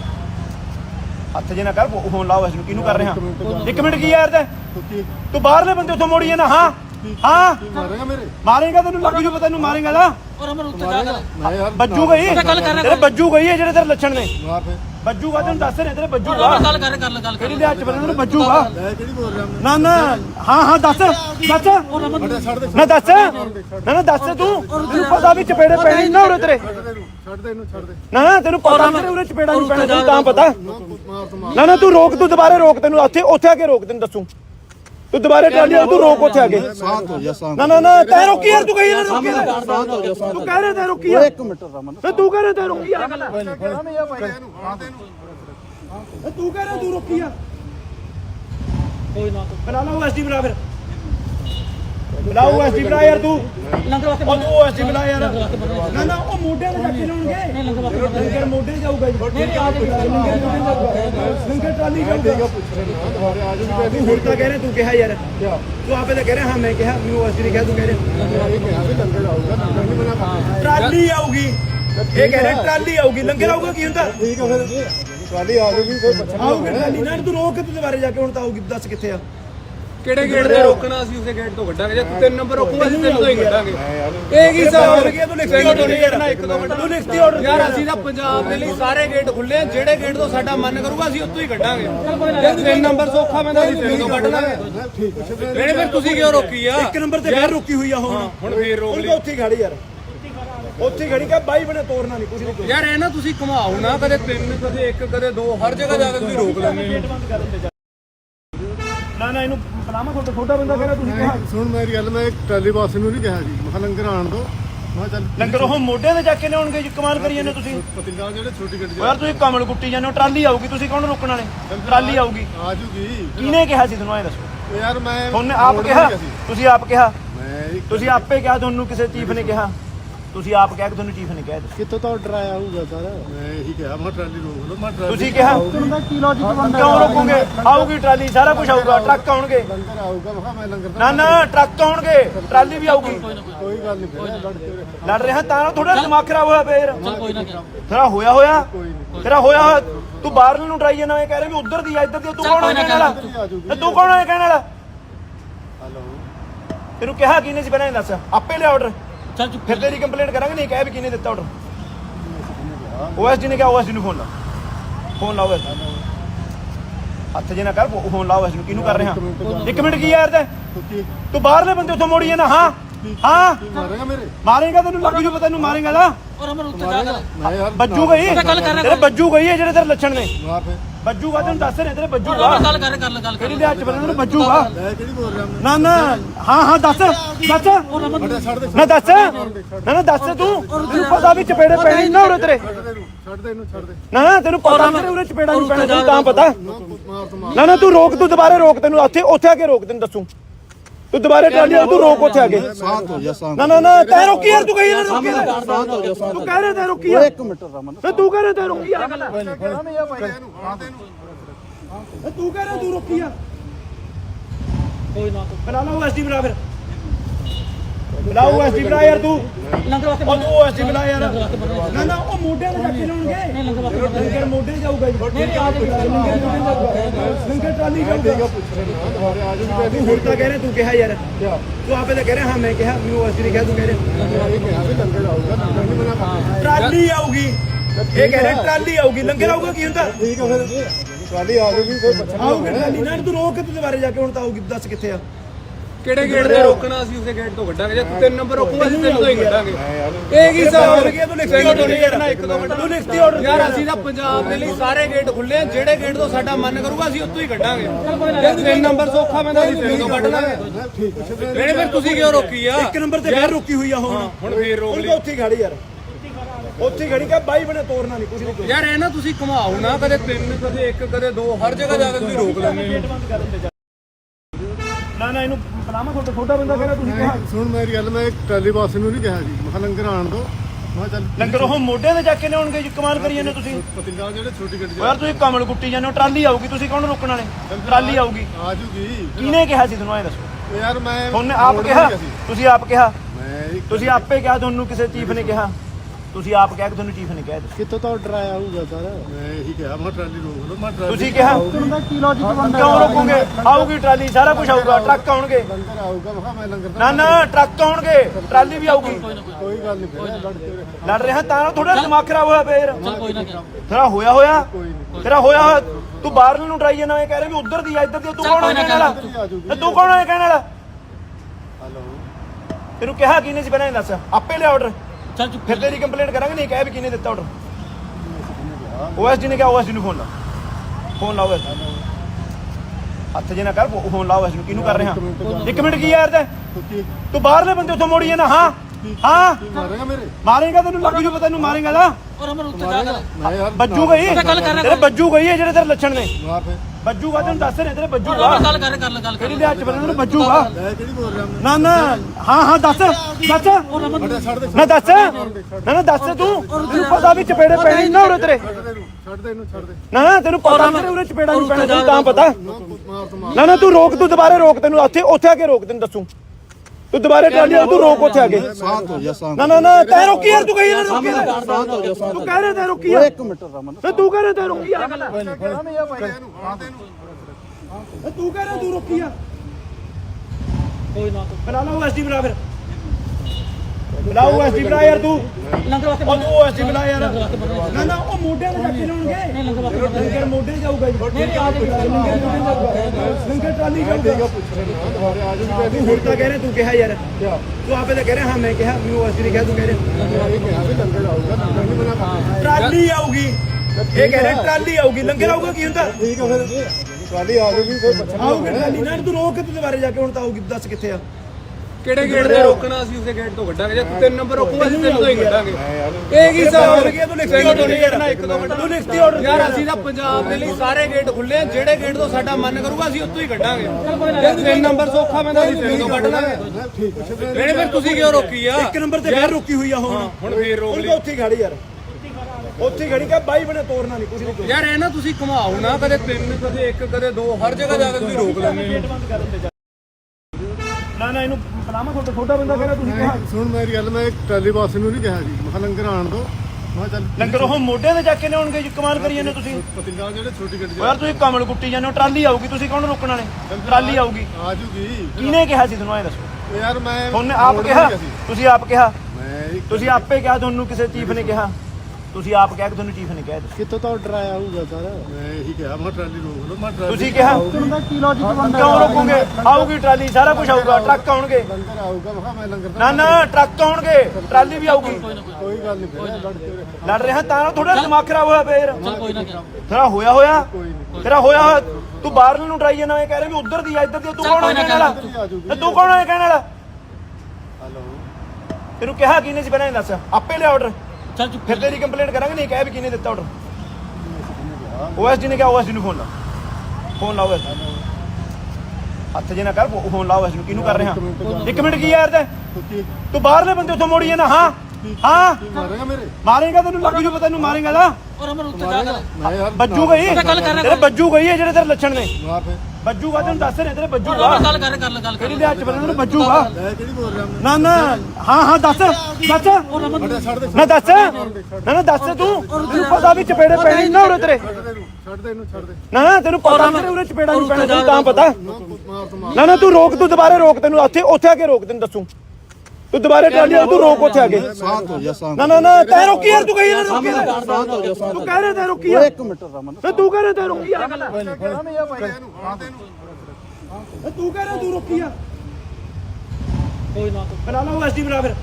Speaker 1: ਹੱਥ ਜੇ ਨਾ ਕਰ, ਫੋਨ ਲਾਓ ਓਐਸਡੀ ਨੂੰ। ਕਿਹਨੂੰ ਕਰ ਰਿਹਾ? 1 ਮਿੰਟ ਕੀ ਯਾਰ ਤੂੰ ਬਾਹਰਲੇ ਬੰਦੇ ਉੱਥੋਂ ਮੋੜੀ ਜਾਂਦਾ। ਹਾਂ
Speaker 2: ਮਾਰੇਗਾ ਮੇਰੇ?
Speaker 1: ਮਾਰੇਗਾ, ਤੈਨੂੰ ਲੱਗ ਜੂ ਪਤਾ। ਤੈਨੂੰ ਮਾਰੇਗਾ ਨਾ,
Speaker 3: ਔਰ ਅਮਰ ਉੱਤੇ ਜਾ ਕਰ
Speaker 2: ਮੈਂ ਯਾਰ
Speaker 1: ਬੱਜੂ ਗਈ ਤੇਰੇ, ਬੱਜੂ ਗਈ ਹੈ ਜਿਹੜੇ ਤੇਰੇ ਲੱਛਣ ਨੇ।
Speaker 2: ਮਾਰ ਫੇ
Speaker 1: ਬੱਜੂਗਾ, ਤੈਨੂੰ ਦੱਸ ਰਹੇ ਤੇਰੇ ਬੱਜੂਗਾ।
Speaker 3: ਗੱਲ ਕਰ
Speaker 1: ਕਿਹੜੀ ਦੇ ਹੱਥ ਬੰਨਣ ਨੂੰ ਬੱਜੂਗਾ?
Speaker 2: ਮੈਂ ਕਿਹੜੀ ਬੋਲ ਰਿਹਾ?
Speaker 1: ਨਾ ਹਾਂ ਦੱਸ
Speaker 2: ਛੱਡ ਦੇ
Speaker 1: ਨਾ ਦੱਸ ਨਾ ਦੱਸ ਤੈਨੂੰ ਪਤਾ ਵੀ ਚਪੇੜੇ ਪੈਣੇ ਨਾ ਉਰੇ ਤੇਰੇ।
Speaker 2: ਛੱਡ ਦੇ ਇਹਨੂੰ, ਛੱਡ ਦੇ।
Speaker 1: ਨਾ ਤੈਨੂੰ ਪਤਾ ਤੇਰੇ ਉਰੇ ਚਪੇੜਾ ਨਹੀਂ ਪੈਣਾ ਤੈਨੂੰ ਤਾਂ ਪਤਾ।
Speaker 2: ਮਾਰ ਤੋਂ ਮਾਰ।
Speaker 1: ਨਾ ਤੂੰ ਰੋਕ, ਤੂੰ ਦੁਬਾਰੇ ਰੋਕ। ਤੈਨੂੰ ਉੱਥੇ ਆ ਕੇ ਰੋਕ, ਤੈਨੂੰ ਦੱਸੂ। ਤੂੰ ਦੁਬਾਰੇ ਟਰਾਲੀ ਤੂੰ ਰੋਕ ਉੱਥੇ ਆ ਕੇ।
Speaker 2: ਸਾਥ ਹੋ ਜਾ ਸਾਥ।
Speaker 1: ਨਾ ਤੈਂ ਰੋਕੀ ਯਾਰ। ਤੂੰ ਕਹੀ ਯਾਰ ਰੋਕੀ। ਤੂੰ ਕਹਿ ਰਿਹਾ ਤੈਂ ਰੋਕੀ ਯਾਰ।
Speaker 2: 1 ਮਿੰਟ ਰਮਨ।
Speaker 1: ਤੂੰ ਕਹਿ ਰਿਹਾ ਤੈਂ ਰੋਕੀ ਯਾਰ।
Speaker 2: ਇਹਨੂੰ ਫੜਾ ਦੇ ਇਹਨੂੰ।
Speaker 1: ਤੂੰ ਕਹਿ ਰਿਹਾ ਤੂੰ ਰੋਕੀ ਯਾਰ।
Speaker 3: ਕੋਈ ਨਾ
Speaker 1: ਬੁਲਾ ਲਾ ਓਐਸਡੀ, ਬੁਲਾ ਫਿਰ। ਬੁਲਾ ਓਐਸਡੀ, ਬੁਲਾ ਯਾਰ ਤੂੰ।
Speaker 3: ਲੰਗਰ ਵਾਸਤੇ
Speaker 1: ਉਹ ਤੂੰ ਓਐਸਡੀ ਬੁਲਾ ਯਾਰ। ਨਾ ਉਹ ਮੋਢਿਆਂ ਤੇ ਚੱਕ ਕੇ ਲਾਉਣਗੇ। ਲੰਗਰ ਮੋਢੇ ਜਾਊਗਾ ਜੀ। ਲੰਗਰ ਟਰਾਲੀ ਜਾਊਗਾ। ਹੁਣ ਤਾਂ ਕਹਿ ਰਿਹਾ ਤੂੰ ਕਿਹਾ ਯਾਰ। ਤੂੰ ਆਪੇ ਤਾਂ ਕਹਿ ਰਿਹਾ। ਹਾਂ ਮੈਂ ਕਿਹਾ, ਮੈਨੂੰ ਓਐਸਡੀ ਨੇ ਕਿਹਾ। ਤੂੰ ਕਹਿ ਰਿਹਾ
Speaker 2: ਇਹ ਕਿਹਾ ਵੀ ਲੰਗਰ ਆਊਗਾ, ਲੰਗਰ ਨਹੀਂ ਬਣਾ ਪਾਉਂਦੇ।
Speaker 1: ਟਰਾਲੀ ਆਊਗੀ। ਇਹ ਕਹਿ ਰਿਹਾ ਟਰਾਲੀ ਆਊਗੀ। ਲੰਗਰ ਆਊਗਾ ਕੀ ਹੁੰਦਾ?
Speaker 2: ਠੀਕ ਹੈ ਫਿਰ ਟਰਾਲੀ ਆ ਜੂਗੀ ਫਿਰ ਪੁੱਛਣਾ
Speaker 1: ਆਊਗੀ ਟਰਾਲੀ ਨਾ ਤੂੰ ਰੋਕ ਕੇ ਤੂੰ ਦੁਬਾਰੇ ਜਾ ਕੇ ਹੁਣ ਤਾਂ ਆਊਗੀ ਦੱਸ ਕਿੱਥੇ ਆ
Speaker 4: ਕਿਹੜੇ ਗੇਟ ਤੇ ਰੋਕਣਾ ਅਸੀਂ ਉਸੇ ਗੇਟ ਤੋਂ ਕੱਢਾਂਗੇ ਜੇ ਤੂੰ 3 ਨੰਬਰ ਰੋਕੂਗਾ ਅਸੀਂ 3 ਤੋਂ ਹੀ ਕੱਢਾਂਗੇ ਇਹ ਕੀ ਹਿਸਾਬ
Speaker 1: ਹੋ ਗਿਆ ਤੂੰ ਲਿਖਤੀ ਆਰਡਰ ਨਹੀਂ ਕਰਨਾ ਇੱਕ ਦੋ ਮਿੰਟ ਤੂੰ ਲਿਖਤੀ ਆਰਡਰ
Speaker 4: ਯਾਰ ਅਸੀਂ ਤਾਂ ਪੰਜਾਬ ਦੇ ਲਈ ਸਾਰੇ ਗੇਟ ਖੁੱਲੇ ਆ ਜਿਹੜੇ ਗੇਟ ਤੋਂ ਸਾਡਾ ਮਨ ਕਰੂਗਾ ਅਸੀਂ ਉੱਥੋਂ ਹੀ ਕੱਢਾਂਗੇ ਜੇ 3 ਨੰਬਰ ਸੌਖਾ ਪੈਂਦਾ ਅਸੀਂ 3 ਤੋਂ ਕੱਢ ਲਾਂਗੇ ਨਹੀਂ ਫਿਰ ਤੁਸੀਂ ਕਿਉਂ ਰੋਕੀ ਆ
Speaker 1: ਇੱਕ ਨੰਬਰ ਤੇ ਫੇਰ ਰੁਕੀ ਹੋਈ ਆ ਹੁਣ
Speaker 4: ਫੇਰ ਰੋਕ
Speaker 1: ਹੁਣ ਤਾਂ ਉੱਥੇ ਹੀ ਖੜੀ ਯਾਰ ਉੱਥੇ ਹੀ ਖੜੀ ਕਾ ਬਾਈ ਬਣੇ ਤੋੜਨਾ ਨਹੀਂ ਕੁਝ ਨਹੀਂ
Speaker 4: ਯਾਰ ਇਹ ਨਾ ਤੁਸੀਂ ਘੁਮਾਓ ਨਾ ਕਦੇ 3 ਕਦੇ 1 ਕਦੇ 2 ਹਰ ਜਗ੍ਹਾ ਜਾ ਕੇ ਤੁਸੀਂ ਰੋਕ ਲੈਂਦੇ ਹੋ
Speaker 1: ਨਾ ਇਹਨੂੰ ਬਲਾਮਾ ਛੋਟਾ ਬੰਦਾ ਕਹਿੰਦਾ ਤੁਸੀਂ ਕਿਹਾ
Speaker 2: ਸੁਣ ਮੇਰੀ ਗੱਲ ਮੈਂ ਟਰਾਲੀ ਬਾਸ ਨੂੰ ਨਹੀਂ ਕਿਹਾ ਜੀ ਮੈਂ ਕਿਹਾ ਲੰਗਰ ਆਣ ਦੋ ਮੈਂ ਕਿਹਾ ਚੱਲ
Speaker 1: ਲੰਗਰ ਉਹ ਮੋਢਿਆਂ ਤੇ ਜਾ ਕੇ ਲਿਆਉਣਗੇ ਜੀ ਕਮਾਲ ਕਰੀ ਜਾਂਦੇ ਤੁਸੀਂ
Speaker 2: ਪਤਿੰਗਾ ਜਿਹੜੇ ਛੋਟੀ ਗੱਡੀ
Speaker 1: ਯਾਰ ਤੁਸੀਂ ਕਮਲ ਕੁੱਟੀ ਜਾਂਦੇ ਹੋ ਟਰਾਲੀ ਆਊਗੀ ਤੁਸੀਂ ਕੌਣ ਰੋਕਣ ਵਾਲੇ ਟਰਾਲੀ ਆਊਗੀ
Speaker 2: ਆ ਜੂਗੀ
Speaker 1: ਕਿਹਨੇ ਕਿਹਾ ਸੀ ਤੁਹਾਨੂੰ ਐ ਦੱਸੋ
Speaker 2: ਯਾਰ ਮੈਂ
Speaker 1: ਤੁਹਾਨੂੰ ਆਪ ਕਿਹਾ ਤੁਸੀਂ ਆਪ ਕਿਹਾ
Speaker 2: ਮੈਂ
Speaker 1: ਤੁਸੀਂ ਆਪੇ ਕਿਹਾ ਤੁਹਾਨੂੰ ਕਿਸੇ ਚੀਫ ਨੇ ਕਿਹਾ ਤੁਸੀਂ ਆਪ ਕਹਿ ਕੇ ਤੁਹਾਨੂੰ ਚੀਫ ਨੇ ਕਿਹਾ
Speaker 2: ਕਿੱਥੋਂ ਤੋਂ ਆਰਡਰ ਆਇਆ ਹੋਊਗਾ ਸਰ ਮੈਂ ਇਹੀ ਕਿਹਾ ਮੈਂ ਟਰਾਲੀ ਰੋਕ ਲਓ ਮੈਂ ਟਰਾਲੀ
Speaker 1: ਤੁਸੀਂ ਕਿਹਾ
Speaker 2: ਕੀ ਲੌਜੀਕ ਬਣਦਾ
Speaker 1: ਕਿਉਂ ਰੋਕੋਗੇ ਆਊਗੀ ਟਰਾਲੀ ਸਾਰਾ ਕੁਝ ਆਊਗਾ ਟਰੱਕ ਆਉਣਗੇ
Speaker 2: ਲੰਗਰ ਆਊਗਾ ਮੈਂ ਕਿਹਾ ਮੈਂ ਲੰਗਰ
Speaker 1: ਨਾ ਟਰੱਕ ਆਉਣਗੇ ਟਰਾਲੀ ਵੀ ਆਊਗੀ
Speaker 2: ਕੋਈ ਗੱਲ ਨਹੀਂ ਫਿਰ ਲੜ ਕੇ
Speaker 1: ਲੜ ਰਿਹਾ ਤਾਂ ਥੋੜਾ ਦਿਮਾਗ ਖਰਾਬ ਹੋਇਆ ਫੇਰ
Speaker 3: ਕੋਈ ਨਾ
Speaker 1: ਤੇਰਾ ਹੋਇਆ ਤੇਰਾ ਹੋਇਆ ਤੂੰ ਬਾਹਰ ਨੂੰ ਟਰਾਈ ਜਾਣਾ ਇਹ ਕਹਿ ਰਿਹਾ ਵੀ ਉਧਰ ਦੀ ਆ ਇੱਧਰ ਦੀ ਤੂੰ ਕੌਣ ਹੈ ਕਹਿਣ ਵਾਲਾ ਤੇ ਤੂੰ ਕੌਣ ਹੈ ਕਹਿਣ ਵਾਲਾ
Speaker 2: ਹਲੋ
Speaker 1: ਤੈਨੂੰ ਕਿਹਾ ਕਿਹਨੇ ਸੀ ਪਹਿਲਾਂ ਇਹ ਦੱਸ ਆਪੇ ਲਿਆ ਆਰਡਰ
Speaker 3: ਚੱਲ ਚੁੱਪ
Speaker 1: ਫਿਰ ਤੇਰੀ ਕੰਪਲੇਂਟ ਕਰਾਂਗੇ ਨਹੀਂ ਕਹਿ ਵੀ ਕਿਹਨੇ ਦਿੱਤਾ ਆਰਡਰ ਓਐਸਡੀ ਨੇ ਕਿਹਾ ਓਐਸਡੀ ਨੂੰ ਫੋਨ ਲਾਓ ਹੱਥ ਜੇ ਨਾ ਕਰ ਫੋਨ ਲਾਓ ਓਐਸਡੀ ਨੂੰ ਕਿਹਨੂੰ ਕਰ ਰਿਹਾ 1 ਮਿੰਟ ਕੀ ਯਾਰ ਤੂੰ ਬਾਹਰਲੇ ਬੰਦੇ ਉੱਥੋਂ ਮੋੜੀ ਜਾਂਦਾ ਹਾਂ
Speaker 2: ਮਾਰੇਗਾ ਮੇਰੇ
Speaker 1: ਮਾਰੇਗਾ ਤੈਨੂੰ ਲੱਗ ਜੂ ਪਤਾ ਤੈਨੂੰ ਮਾਰੇਗਾ ਨਾ
Speaker 3: ਔਰ ਅਮਰ ਉੱਤੇ ਜਾ ਕਰ
Speaker 2: ਮੈਂ ਯਾਰ
Speaker 1: ਬੱਜੂ ਗਈ
Speaker 3: ਗੱਲ ਕਰ ਰਿਹਾ
Speaker 1: ਤੇਰੇ ਬੱਜੂ ਗਈ ਹੈ ਜਿਹੜੇ ਤੇਰੇ ਲੱਛਣ ਨੇ
Speaker 2: ਮਾਰ ਫੇ
Speaker 1: ਬੱਜੂਗਾ ਤੈਨੂੰ ਦੱਸ ਰਿਹਾ ਤੇਰੇ
Speaker 3: ਔਰ
Speaker 1: ਬੱਜੂਗਾ
Speaker 3: ਅਮਰ ਗੱਲ ਕਰ
Speaker 1: ਕਿਹੜੀ ਦੇ ਹੱਥ ਬੰਨਣ ਨੂੰ ਬੱਜੂਗਾ
Speaker 2: ਮੈਂ ਕਿਹੜੀ ਬੋਲ ਰਿਹਾ
Speaker 1: ਨਾ ਹਾਂ ਦੱਸ
Speaker 2: ਬੜਾ ਛੱਡ ਦੇ
Speaker 1: ਨਾ ਦੱਸ ਦੱਸ ਤੂੰ ਤੈਨੂੰ ਪਤਾ ਵੀ ਚਪੇੜੇ ਪੈਣੇ ਨਾ ਉਰੇ ਤੇਰੇ
Speaker 2: ਛੱਡ ਦੇ ਇਹਨੂੰ ਛੱਡ ਦੇ
Speaker 1: ਨਾ ਤੈਨੂੰ ਪਤਾ ਤੇਰੇ ਉਰੇ ਚਪੇੜਾ ਨਹੀਂ ਪੈਣਾ ਤੈਨੂੰ ਤਾਂ ਪਤਾ
Speaker 2: ਮਾਰ ਤੋਂ ਮਾਰ
Speaker 1: ਨਾ ਤੂੰ ਰੋਕ ਤੂੰ ਦੁਬਾਰੇ ਰੋਕ ਤੈਨੂੰ ਉੱਥੇ ਆ ਕੇ ਰੋਕ ਤੈਨੂੰ ਦੱਸੂ ਤੂੰ ਦੁਬਾਰੇ ਟਰਾਲੀ ਤੂੰ ਰੋਕ ਉੱਥੇ ਆ ਕੇ
Speaker 2: ਸਾਥ ਹੋ ਜਾ ਸਾਥ
Speaker 1: ਨਾ ਤੈਂ ਰੋਕੀ ਯਾਰ ਤੂੰ ਕਹੀ ਯਾਰ ਰੋਕੀ ਤੂੰ ਕਹਿ ਰਿਹਾ ਤੈਂ ਰੋਕੀ ਯਾਰ
Speaker 2: 1 ਮਿੰਟ ਰਮਨ
Speaker 1: ਤੂੰ ਕਹਿ ਰਿਹਾ ਤੈਂ ਰੋਕੀ ਯਾਰ
Speaker 2: ਇਹਨੂੰ ਫੜਾ ਦੇ ਇਹਨੂੰ
Speaker 1: ਤੂੰ ਕਹਿ ਰਿਹਾ ਤੂੰ ਰੋਕੀ ਯਾਰ
Speaker 3: ਕੋਈ ਨਾ
Speaker 1: ਬਣਾ ਲਾ ਓਐਸਡੀ ਬਣਾ ਫਿਰ ਬਣਾ ਓਐਸਡੀ ਬਣਾ ਯਾਰ ਤੂੰ
Speaker 3: ਲੰਗਰ ਵਾਸਤੇ
Speaker 1: ਉਹ ਤੂੰ ਓਐਸਡੀ ਬਣਾ ਯਾਰ ਨਾ ਉਹ ਮੋਢਿਆਂ ਤੇ ਜਾ ਕੇ ਲਾਉਣਗੇ
Speaker 3: ਲੰਗਰ ਵਾਸਤੇ
Speaker 1: ਲੰਗਰ ਮੋਢੇ ਜਾਊਗਾ ਜੀ
Speaker 3: ਨਹੀਂ ਆ
Speaker 1: ਲੰਗਰ ਟਰਾਲੀ ਜਾਊਗਾ
Speaker 2: ਦੁਬਾਰੇ ਆ ਜੂਗੀ
Speaker 1: ਤੂੰ ਹੁਣ ਤਾਂ ਕਹਿ ਰਿਹਾ ਤੂੰ ਕਿਹਾ ਯਾਰ ਤੂੰ ਆਪੇ ਤਾਂ ਕਹਿ ਰਿਹਾ ਹਾਂ ਮੈਂ ਕਿਹਾ ਮੈਨੂੰ ਓਐਸਡੀ ਨੇ ਕਿਹਾ ਤੂੰ ਕਹਿ ਰਿਹਾ
Speaker 2: ਇਹ ਕਿਹਾ ਵੀ ਲੰਗਰ ਆਊਗਾ ਲੰਗਰ ਨਹੀਂ ਬਣਾ ਪਾਉਂਦੇ
Speaker 1: ਟਰਾਲੀ ਆਊਗੀ ਇਹ ਕਹਿ ਰਿਹਾ ਟਰਾਲੀ ਆਊਗੀ ਲੰਗਰ ਆਊਗਾ ਕੀ ਹੁੰਦਾ
Speaker 2: ਠੀਕ ਹੈ ਫਿਰ ਟਰਾਲੀ ਆ ਜੂਗੀ ਫਿਰ ਪੁੱਛਣਾ
Speaker 1: ਆਊਗੀ ਟਰਾਲੀ ਨਾ ਤੂੰ ਰੋਕ ਕੇ ਤੂੰ ਦੁਬਾਰੇ ਜਾ ਕੇ ਹੁਣ ਤਾਂ ਆਊਗੀ ਦੱਸ ਕਿੱਥੇ ਆ
Speaker 4: ਕਿਹੜੇ ਗੇਟ ਤੇ ਰੋਕਣਾ ਅਸੀਂ ਉਸੇ ਗੇਟ ਤੋਂ ਕੱਢਾਂਗੇ ਜੇ ਤੂੰ 3 ਨੰਬਰ ਰੋਕੂਗਾ ਅਸੀਂ 3 ਤੋਂ ਹੀ ਕੱਢਾਂਗੇ ਇਹ ਕੀ ਹਿਸਾਬ
Speaker 1: ਹੋ ਗਿਆ ਤੂੰ ਲਿਖਤੀ ਆਰਡਰ ਨਹੀਂ ਕਰਨਾ ਇੱਕ ਦੋ ਮਿੰਟ ਤੂੰ ਲਿਖਤੀ ਆਰਡਰ
Speaker 4: ਯਾਰ ਅਸੀਂ ਤਾਂ ਪੰਜਾਬ ਦੇ ਲਈ ਸਾਰੇ ਗੇਟ ਖੁੱਲੇ ਆ ਜਿਹੜੇ ਗੇਟ ਤੋਂ ਸਾਡਾ ਮਨ ਕਰੂਗਾ ਅਸੀਂ ਉੱਥੋਂ ਹੀ ਕੱਢਾਂਗੇ ਜੇ 3 ਨੰਬਰ ਸੌਖਾ ਪੈਂਦਾ ਅਸੀਂ 3 ਤੋਂ ਕੱਢ ਲਾਂਗੇ ਨਹੀਂ ਫਿਰ ਤੁਸੀਂ ਕਿਉਂ ਰੋਕੀ ਆ
Speaker 1: ਇੱਕ ਨੰਬਰ ਤੇ ਫੇਰ ਰੁਕੀ ਹੋਈ ਆ ਹੁਣ
Speaker 4: ਫੇਰ ਰੋਕ
Speaker 1: ਹੁਣ ਤਾਂ ਉੱਥੇ ਹੀ ਖੜੀ ਯਾਰ ਉੱਥੇ ਹੀ ਖੜੀ ਕਾ ਬਾਈ ਬਣੇ ਤੋੜਨਾ ਨਹੀਂ ਕੁਝ ਨਹੀਂ
Speaker 4: ਯਾਰ ਇਹ ਨਾ ਤੁਸੀਂ ਘੁਮਾਓ ਨਾ ਕਦੇ 3 ਕਦੇ 1 ਕਦੇ 2 ਹਰ ਜਗ੍ਹਾ ਜਾ ਕੇ ਤੁਸੀਂ ਰੋਕ ਲੈਂਦੇ ਹੋ
Speaker 1: ਨਾ ਇਹਨੂੰ ਬਲਾਮਾ ਛੋਟਾ ਬੰਦਾ ਕਹਿੰਦਾ ਤੁਸੀਂ ਕਿਹਾ
Speaker 2: ਸੁਣ ਮੇਰੀ ਗੱਲ ਮੈਂ ਟਰਾਲੀ ਬਾਸ ਨੂੰ ਨਹੀਂ ਕਿਹਾ ਜੀ ਮੈਂ ਕਿਹਾ ਲੰਗਰ ਆਣ ਦੋ ਮੈਂ ਕਿਹਾ ਚੱਲ
Speaker 1: ਲੰਗਰ ਉਹ ਮੋਢਿਆਂ ਤੇ ਜਾ ਕੇ ਲਿਆਉਣਗੇ ਜੀ ਕਮਾਲ ਕਰੀ ਜਾਂਦੇ ਤੁਸੀਂ
Speaker 2: ਪਤਿੰਗਾ ਜਿਹੜੇ ਛੋਟੀ ਗੱਡੀ
Speaker 1: ਯਾਰ ਤੁਸੀਂ ਕਮਲ ਕੁੱਟੀ ਜਾਂਦੇ ਹੋ ਟਰਾਲੀ ਆਊਗੀ ਤੁਸੀਂ ਕੌਣ ਰੋਕਣ ਵਾਲੇ ਟਰਾਲੀ ਆਊਗੀ
Speaker 2: ਆ ਜੂਗੀ
Speaker 1: ਕਿਹਨੇ ਕਿਹਾ ਸੀ ਤੁਹਾਨੂੰ ਐ ਦੱਸੋ
Speaker 2: ਯਾਰ ਮੈਂ
Speaker 1: ਤੁਹਾਨੂੰ ਆਪ ਕਿਹਾ ਤੁਸੀਂ ਆਪ ਕਿਹਾ
Speaker 2: ਮੈਂ
Speaker 1: ਤੁਸੀਂ ਆਪੇ ਕਿਹਾ ਤੁਹਾਨੂੰ ਕਿਸੇ ਚੀਫ ਨੇ ਕਿਹਾ ਤੁਸੀਂ ਆਪ ਕਹਿ ਕੇ ਤੁਹਾਨੂੰ ਚੀਫ ਨੇ ਕਿਹਾ
Speaker 2: ਕਿੱਥੋਂ ਤੋਂ ਆਰਡਰ ਆਇਆ ਹੋਊਗਾ ਸਰ ਮੈਂ ਇਹੀ ਕਿਹਾ ਮੈਂ ਟਰਾਲੀ ਰੋਕ ਲਓ ਮੈਂ ਟਰਾਲੀ
Speaker 1: ਤੁਸੀਂ ਕਿਹਾ
Speaker 2: ਕੀ ਲੌਜੀਕ ਬਣਦਾ
Speaker 1: ਕਿਉਂ ਰੋਕੋਗੇ ਆਊਗੀ ਟਰਾਲੀ ਸਾਰਾ ਕੁਝ ਆਊਗਾ ਟਰੱਕ ਆਉਣਗੇ
Speaker 2: ਲੰਗਰ ਆਊਗਾ ਮੈਂ ਕਿਹਾ ਮੈਂ ਲੰਗਰ
Speaker 1: ਨਾ ਟਰੱਕ ਆਉਣਗੇ ਟਰਾਲੀ ਵੀ ਆਊਗੀ
Speaker 2: ਕੋਈ ਗੱਲ ਨਹੀਂ ਫਿਰ ਲੜ ਕੇ
Speaker 1: ਲੜ ਰਿਹਾ ਤਾਂ ਥੋੜਾ ਦਿਮਾਗ ਖਰਾਬ ਹੋਇਆ ਫੇਰ
Speaker 3: ਕੋਈ ਨਾ
Speaker 1: ਤੇਰਾ ਹੋਇਆ ਤੇਰਾ ਹੋਇਆ ਤੂੰ ਬਾਹਰਲੇ ਨੂੰ ਟਰਾਈ ਜਾਣਾ ਇਹ ਕਹਿ ਰਿਹਾ ਵੀ ਉਧਰ ਦੀ ਆ ਇੱਧਰ ਦੀ ਤੂੰ ਕੌਣ ਹੈ ਕਹਿਣ ਵਾਲਾ ਤੇ ਤੂੰ ਕੌਣ ਹੈ ਕਹਿਣ ਵਾਲਾ
Speaker 2: ਹਲੋ
Speaker 1: ਤੈਨੂੰ ਕਿਹਾ ਕਿਹਨੇ ਸੀ ਪਹਿਲਾਂ ਇਹ ਦੱਸ ਆਪੇ ਲਿਆ ਆਰਡਰ
Speaker 3: ਚੱਲ ਚੁੱਪ
Speaker 1: ਫਿਰ ਤੇਰੀ ਕੰਪਲੇਂਟ ਕਰਾਂਗੇ ਨਹੀਂ ਕਹਿ ਵੀ ਕਿਹਨੇ ਦਿੱਤਾ ਆਰਡਰ ਓਐਸਡੀ ਨੇ ਕਿਹਾ ਓਐਸਡੀ ਨੂੰ ਫੋਨ ਲਾਓ ਹੱਥ ਜੇ ਨਾ ਕਰ ਫੋਨ ਲਾਓ ਓਐਸਡੀ ਨੂੰ ਕਿਹਨੂੰ ਕਰ ਰਿਹਾ 1 ਮਿੰਟ ਕੀ ਯਾਰ ਤੂੰ ਬਾਹਰਲੇ ਬੰਦੇ ਉੱਥੋਂ ਮੋੜੀ ਜਾਂਦਾ ਹਾਂ
Speaker 2: ਮਾਰੇਗਾ ਮੇਰੇ
Speaker 1: ਮਾਰੇਗਾ ਤੈਨੂੰ ਲੱਗ ਜੂ ਪਤਾ ਤੈਨੂੰ ਮਾਰੇਗਾ ਨਾ
Speaker 3: ਔਰ ਅਮਰ ਉੱਤੇ ਜਾ ਕਰ
Speaker 2: ਮੈਂ ਯਾਰ
Speaker 1: ਬੱਜੂ ਗਈ ਤੇਰੇ ਬੱਜੂ ਗਈ ਹੈ ਜਿਹੜੇ ਤੇਰੇ ਲੱਛਣ ਨੇ
Speaker 2: ਮਾਰ ਫੇ
Speaker 1: ਬੱਜੂਗਾ ਤੈਨੂੰ ਦੱਸ ਰਿਹਾ ਤੇਰੇ
Speaker 3: ਔਰ
Speaker 1: ਬੱਜੂਗਾ
Speaker 3: ਅਮਰ ਗੱਲ ਕਰ
Speaker 1: ਕਿਹੜੀ ਦੇ ਹੱਥ ਬੰਨਣ ਨੂੰ ਬੱਜੂਗਾ
Speaker 2: ਮੈਂ ਕਿਹੜੀ ਬੋਲ ਰਿਹਾ
Speaker 1: ਨਾ ਹਾਂ ਦੱਸ
Speaker 2: ਬੜਾ ਛੱਡ ਦੇ
Speaker 1: ਨਾ ਦੱਸ ਤੂੰ ਤੈਨੂੰ ਪਤਾ ਵੀ ਚਪੇੜੇ ਪੈਣੇ ਨਾ ਉਰੇ ਤੇਰੇ
Speaker 2: ਛੱਡ ਦੇ ਇਹਨੂੰ ਛੱਡ ਦੇ
Speaker 1: ਨਾ ਤੈਨੂੰ ਪਤਾ ਤੇਰੇ ਉਰੇ ਚਪੇੜਾ ਨਹੀਂ ਪੈਣਾ ਤੈਨੂੰ ਤਾਂ ਪਤਾ
Speaker 2: ਮਾਰ ਤੋਂ ਮਾਰ
Speaker 1: ਨਾ ਤੂੰ ਰੋਕ ਤੂੰ ਦੁਬਾਰੇ ਰੋਕ ਤੈਨੂੰ ਉੱਥੇ ਆ ਕੇ ਰੋਕ ਤੈਨੂੰ ਦੱਸੂ ਤੂੰ ਦੁਬਾਰੇ ਟਰਾਲੀ ਵਾਲਾ ਤੂੰ ਰੋਕ ਉੱਥੇ ਆ ਕੇ
Speaker 2: शांत हो जा शांत
Speaker 1: ਨਾ ਨਾ ਨਾ ਤੈਂ ਰੋਕੀ ਯਾਰ ਤੂੰ ਕਹੀ ਯਾਰ ਰੋਕੀ ਯਾਰ।
Speaker 2: शांत हो जा
Speaker 1: ਤੂੰ ਕਹਿ ਰਿਹਾ ਤੈਂ ਰੋਕੀ ਯਾਰ
Speaker 2: एक मिनट रमन
Speaker 1: ਤੇ ਤੂੰ ਕਹਿ ਰਿਹਾ ਤੈਂ ਰੋਕੀ ਯਾਰ
Speaker 2: कोई
Speaker 1: ਤੂੰ ਕਹਿ ਰਿਹਾ ਤੂੰ ਰੋਕੀ ਆ
Speaker 3: ਕੋਈ ਨਾ
Speaker 1: ਬਣਾ ਲਾ ਉਹ ਐਸਡੀ ਬਣਾ ਫਿਰ ਬਣਾ ਉਹ ਐਸਡੀ ਬਣਾ ਯਾਰ ਤੂੰ
Speaker 3: ਲੰਗਰ ਵਾਸਤੇ
Speaker 1: ਉਹ ਐਸਡੀ ਬਣਾ ਯਾਰ ਨਾ ਨਾ ਉਹ ਮੋਢਿਆਂ ਤੇ ਚੱਕ ਕੇ ਲਾਉਣਗੇ
Speaker 3: ਲੰਗਰ ਵਾਸਤੇ
Speaker 1: ਲੰਗਰ ਮੋਢੇ ਜਾਊਗਾ ਜੀ
Speaker 3: ਨਹੀਂ ਆ
Speaker 1: ਲੰਗਰ ਟਰਾਲੀ ਜਾਊਗਾ ਤੂੰ ਹੁਣ ਤਾਂ ਕਹਿ ਰਿਹਾ ਤੂੰ ਕਿਹਾ ਯਾਰ ਤੂੰ ਆਪੇ ਤਾਂ ਕਹਿ ਰਿਹਾ ਹਾਂ ਮੈਂ ਕਿਹਾ ਮੈਨੂੰ ਉਹ ਐਸਡੀ ਨੇ ਕਿਹਾ ਤੂੰ ਕਹਿ ਰਿਹਾ ਟਰਾਲੀ ਆਊਗੀ ਇਹ ਕਹਿ ਰਿਹਾ ਟਰਾਲੀ ਆਊਗੀ ਲੰਗਰ ਆਊਗਾ ਕੀ ਹੁੰਦਾ
Speaker 2: ठीक है फिर ट्राली आ जाएगी फिर
Speaker 1: ਆਊਗੀ ਟਰਾਲੀ ਨਾ ਤੂੰ ਰੋਕ ਕੇ ਤੂੰ ਦੁਬਾਰੇ ਜਾ ਕੇ ਹੁਣ ਤਾਂ ਆਊਗੀ ਦੱਸ ਕਿੱਥੇ ਆ
Speaker 4: ਕਿਹੜੇ ਗੇਟ ਤੇ ਰੋਕਣਾ ਅਸੀਂ ਉਸੇ ਗੇਟ ਤੋਂ ਕੱਢਾਂਗੇ ਜੇ ਤੂੰ 3 ਨੰਬਰ ਰੋਕੂਗਾ ਅਸੀਂ 3 ਤੋਂ ਹੀ ਕੱਢਾਂਗੇ ਇਹ ਕੀ ਹਿਸਾਬ
Speaker 1: ਹੋ ਗਿਆ ਤੂੰ ਲਿਖਤੀ ਆਰਡਰ ਨਹੀਂ ਕਰਨਾ ਇੱਕ ਦੋ ਮਿੰਟ ਤੂੰ ਲਿਖਤੀ ਆਰਡਰ
Speaker 4: ਯਾਰ ਅਸੀਂ ਤਾਂ ਪੰਜਾਬ ਦੇ ਲਈ ਸਾਰੇ ਗੇਟ ਖੁੱਲੇ ਆ ਜਿਹੜੇ ਗੇਟ ਤੋਂ ਸਾਡਾ ਮਨ ਕਰੂਗਾ ਅਸੀਂ ਉੱਥੋਂ ਹੀ ਕੱਢਾਂਗੇ ਜੇ 3 ਨੰਬਰ ਸੌਖਾ ਪੈਂਦਾ ਅਸੀਂ 3 ਤੋਂ ਕੱਢ ਲਾਂਗੇ ਨਹੀਂ ਫਿਰ ਤੁਸੀਂ ਕਿਉਂ ਰੋਕੀ ਆ
Speaker 1: ਇੱਕ ਨੰਬਰ ਤੇ ਫੇਰ ਰੁਕੀ ਹੋਈ ਆ ਹੁਣ
Speaker 4: ਹੁਣ ਫੇਰ ਰੋਕ
Speaker 1: ਹੁਣ
Speaker 4: ਲਈ
Speaker 1: ਤਾਂ ਉੱਥੇ ਹੀ ਖੜੀ ਯਾਰ ਉੱਥੇ ਹੀ ਖੜੀ ਕਾ ਬਾਈ ਬਣੇ ਤੋੜਨਾ ਨਹੀਂ ਕੁਝ ਨਹੀਂ
Speaker 4: ਯਾਰ ਇਹ ਨਾ ਤੁਸੀਂ ਘੁਮਾਓ ਨਾ ਕਦੇ 3 ਕਦੇ 1 ਕਦੇ 2 ਹਰ ਜਗ੍ਹਾ ਜਾ ਕੇ ਤੁਸੀਂ ਰੋਕ ਲੈਂਦੇ ਹੋ
Speaker 1: ਨਾ ਨਾ ਇਹਨੂੰ ਬਲਾਮਾ ਛੋਟਾ ਬੰਦਾ ਕਹਿੰਦਾ ਤੁਸੀਂ ਕਿਹਾ
Speaker 2: सुन मेरी गल मैं ट्राली वासी ਨੂੰ ਨਹੀਂ ਕਿਹਾ ਜੀ ਮੈਂ ਕਿਹਾ ਲੰਗਰ ਆਣ ਦੋ ਮੈਂ ਕਿਹਾ ਚੱਲ
Speaker 1: ਲੰਗਰ ਉਹ ਮੋਢਿਆਂ ਤੇ ਜਾ ਕੇ ਲਿਆਉਣਗੇ ਜੀ ਕਮਾਲ ਕਰੀ ਜਾਂਦੇ ਤੁਸੀਂ
Speaker 2: ਪਤਿੰਗਾ ਜਿਹੜੇ ਛੋਟੀ ਗੱਡੀ
Speaker 1: ਯਾਰ ਤੁਸੀਂ ਕਮਲ ਕੁੱਟੀ ਜਾਂਦੇ ਹੋ ਟਰਾਲੀ ਆਊਗੀ ਤੁਸੀਂ ਕੌਣ ਰੋਕਣ ਵਾਲੇ ਟਰਾਲੀ ਆਊਗੀ
Speaker 2: ਆ ਜੂਗੀ
Speaker 1: ਕਿਹਨੇ ਕਿਹਾ ਸੀ ਤੁਹਾਨੂੰ ਇਹ ਦੱਸੋ
Speaker 2: ਯਾਰ ਮੈਂ
Speaker 1: ਤੁਹਾਨੂੰ ਆਪ ਕਿਹਾ ਤੁਸੀਂ ਆਪ ਕਿਹਾ
Speaker 2: ਮੈਂ
Speaker 1: ਤੁਸੀਂ ਆਪੇ ਕਿਹਾ ਤੁਹਾਨੂੰ ਕਿਸੇ ਚੀਫ ਨੇ ਕਿਹਾ ਤੁਸੀਂ ਆਪ ਕਹਿ ਕੇ ਤੁਹਾਨੂੰ ਚੀਫ ਨੇ ਕਿਹਾ
Speaker 2: ਕਿੱਥੋਂ ਤਾਂ ਆਰਡਰ ਆਇਆ ਹੋਊਗਾ ਸਰ ਮੈਂ ਇਹੀ ਕਿਹਾ ਮੈਂ ਟਰਾਲੀ ਰੋਕ ਲਓ ਮੈਂ ਟਰਾਲੀ
Speaker 1: ਤੁਸੀਂ ਕਿਹਾ
Speaker 2: ਕੀ ਲੌਜੀਕ
Speaker 1: ਕਿਉਂ ਰੋਕੋਗੇ ਆਊਗੀ ਟਰਾਲੀ ਸਾਰਾ ਕੁਝ ਆਊਗਾ ਟਰੱਕ ਆਉਣਗੇ
Speaker 2: ਲੰਗਰ ਆਊਗਾ ਮੈਂ ਕਿਹਾ ਮੈਂ ਲੰਗਰ
Speaker 1: ਨਾ ਨਾ ਟਰੱਕ ਆਉਣਗੇ ਟਰਾਲੀ ਵੀ ਆਊਗੀ
Speaker 2: ਕੋਈ ਗੱਲ ਨਹੀਂ ਫਿਰ ਲੜ ਕੇ
Speaker 1: ਲੜ ਰਿਹਾ ਤਾਂ ਥੋੜਾ ਦਿਮਾਗ ਖਰਾਬ ਹੋਇਆ ਫੇਰ
Speaker 3: ਕੋਈ ਨਾ
Speaker 1: ਤੇਰਾ ਹੋਇਆ ਤੇਰਾ ਹੋਇਆ ਤੂੰ ਬਾਹਰ ਨੂੰ ਟਰਾਈ ਜਾਣਾ ਇਹ ਕਹਿ ਰਿਹਾ ਵੀ ਉਧਰ ਦੀ ਆ ਇੱਧਰ ਦੀ ਤੂੰ ਕੌਣ ਹੈ ਕਹਿਣ ਵਾਲਾ ਤੇ ਤੂੰ ਕੌਣ ਹੈ ਕਹਿਣ ਵਾਲਾ
Speaker 2: ਹਲੋ
Speaker 1: ਤੈਨੂੰ ਕਿਹਾ ਕਿਹਨੇ ਸੀ ਪਹਿਲਾਂ ਇਹ ਦੱਸ ਆਪੇ ਲਿਆ ਆਰਡਰ
Speaker 3: ਚੱਲ ਚੁੱਪ
Speaker 1: ਫਿਰ ਤੇਰੀ ਕੰਪਲੇਂਟ ਕਰਾਂਗੇ ਨਹੀਂ ਕਹਿ ਵੀ ਕਿਹਨੇ ਦਿੱਤਾ ਆਰਡਰ ਓਐਸਡੀ ਨੇ ਕਿਹਾ ਓਐਸਡੀ ਨੂੰ ਫੋਨ ਲਾਓ ਹੱਥ ਜੇ ਨਾ ਕਰ ਫੋਨ ਲਾਓ ਓਐਸਡੀ ਨੂੰ ਕਿਹਨੂੰ ਕਰ ਰਿਹਾ 1 ਮਿੰਟ ਕੀ ਯਾਰ ਤੂੰ ਬਾਹਰਲੇ ਬੰਦੇ ਉੱਥੋਂ ਮੋੜੀ ਜਾਂਦਾ ਹਾਂ
Speaker 2: ਮਾਰੇਗਾ ਮੇਰੇ
Speaker 1: ਮਾਰੇਗਾ ਤੈਨੂੰ ਲੱਗ ਜੂ ਪਤਾ ਤੈਨੂੰ ਮਾਰੇਗਾ ਲਾ
Speaker 3: ਔਰ ਅਮਰ ਉੱਤੇ ਜਾ ਕਰ
Speaker 2: ਮੈਂ ਯਾਰ
Speaker 1: ਬੱਜੂ ਗਈ
Speaker 3: ਗੱਲ ਕਰ ਰਿਹਾ
Speaker 1: ਤੇਰੇ ਬੱਜੂ ਗਈ ਹੈ ਜਿਹੜੇ ਤੇਰੇ ਲੱਛਣ ਨੇ
Speaker 2: ਮਾਰ ਫੇ
Speaker 1: ਬੱਜੂਗਾ ਤੈਨੂੰ ਦੱਸ ਰਿਹਾ ਤੇਰੇ
Speaker 3: ਔਰ
Speaker 1: ਬੱਜੂਗਾ
Speaker 3: ਅਮਰ ਗੱਲ ਕਰ
Speaker 1: ਕਿਹੜੀ ਦੇ ਹੱਥ ਬੰਨਣ ਨੂੰ ਬੱਜੂਗਾ
Speaker 2: ਮੈਂ ਕਿਹੜੀ ਬੋਲ ਰਿਹਾ
Speaker 1: ਨਾ ਨਾ ਹਾਂ ਦੱਸ
Speaker 2: ਮੈਂ ਛੱਡ ਦੇ
Speaker 1: ਨਾ ਦੱਸ ਨਾ ਦੱਸ ਤੂੰ ਤੈਨੂੰ ਪਤਾ ਵੀ ਚਪੇੜੇ ਪੈਣੇ ਨਾ ਉਰੇ ਤੇਰੇ
Speaker 2: ਛੱਡ ਦੇ ਇਹਨੂੰ ਛੱਡ ਦੇ
Speaker 1: ਨਾ ਤੈਨੂੰ ਪਤਾ ਤੇਰੇ ਉਰੇ ਚਪੇੜਾ ਨਹੀਂ ਪੈਣਾ ਤੈਨੂੰ ਤਾਂ ਪਤਾ
Speaker 2: ਮਾਰ ਤੋਂ ਮਾਰ
Speaker 1: ਨਾ ਤੂੰ ਰੋਕ ਤੂੰ ਦੁਬਾਰੇ ਰੋਕ ਤੈਨੂੰ ਉੱਥੇ ਆ ਕੇ ਰੋਕ ਤੈਨੂੰ ਦੱਸੂ ਤੂੰ ਦੁਬਾਰੇ ਟਰਾਲੀ ਵਾਲਾ ਤੂੰ ਰੋਕ ਉੱਥੇ ਆ ਕੇ
Speaker 2: शांत हो जा शांत
Speaker 1: ਨਾ ਤੈਂ ਰੋਕੀ ਯਾਰ ਤੂੰ ਕਹੀ ਯਾਰ ਰੋਕੀ ਯਾਰ।
Speaker 2: शांत हो जा
Speaker 1: ਤੂੰ ਕਹਿ ਰਿਹਾ ਤੈਂ ਰੋਕੀ ਯਾਰ
Speaker 2: एक मिनट रमन
Speaker 1: ਤੇ ਤੂੰ ਕਹਿ ਰਿਹਾ ਤੈਂ ਰੋਕੀ ਯਾਰ
Speaker 2: ਇਹਨੂੰ
Speaker 1: ਤੂੰ ਕਹਿ ਰਿਹਾ ਤੂੰ ਰੋਕੀ ਆ
Speaker 3: ਕੋਈ ਨਾ
Speaker 1: ਬਣਾ ਲਾ ਉਹ ਐਸਡੀ ਬਣਾ ਫਿਰ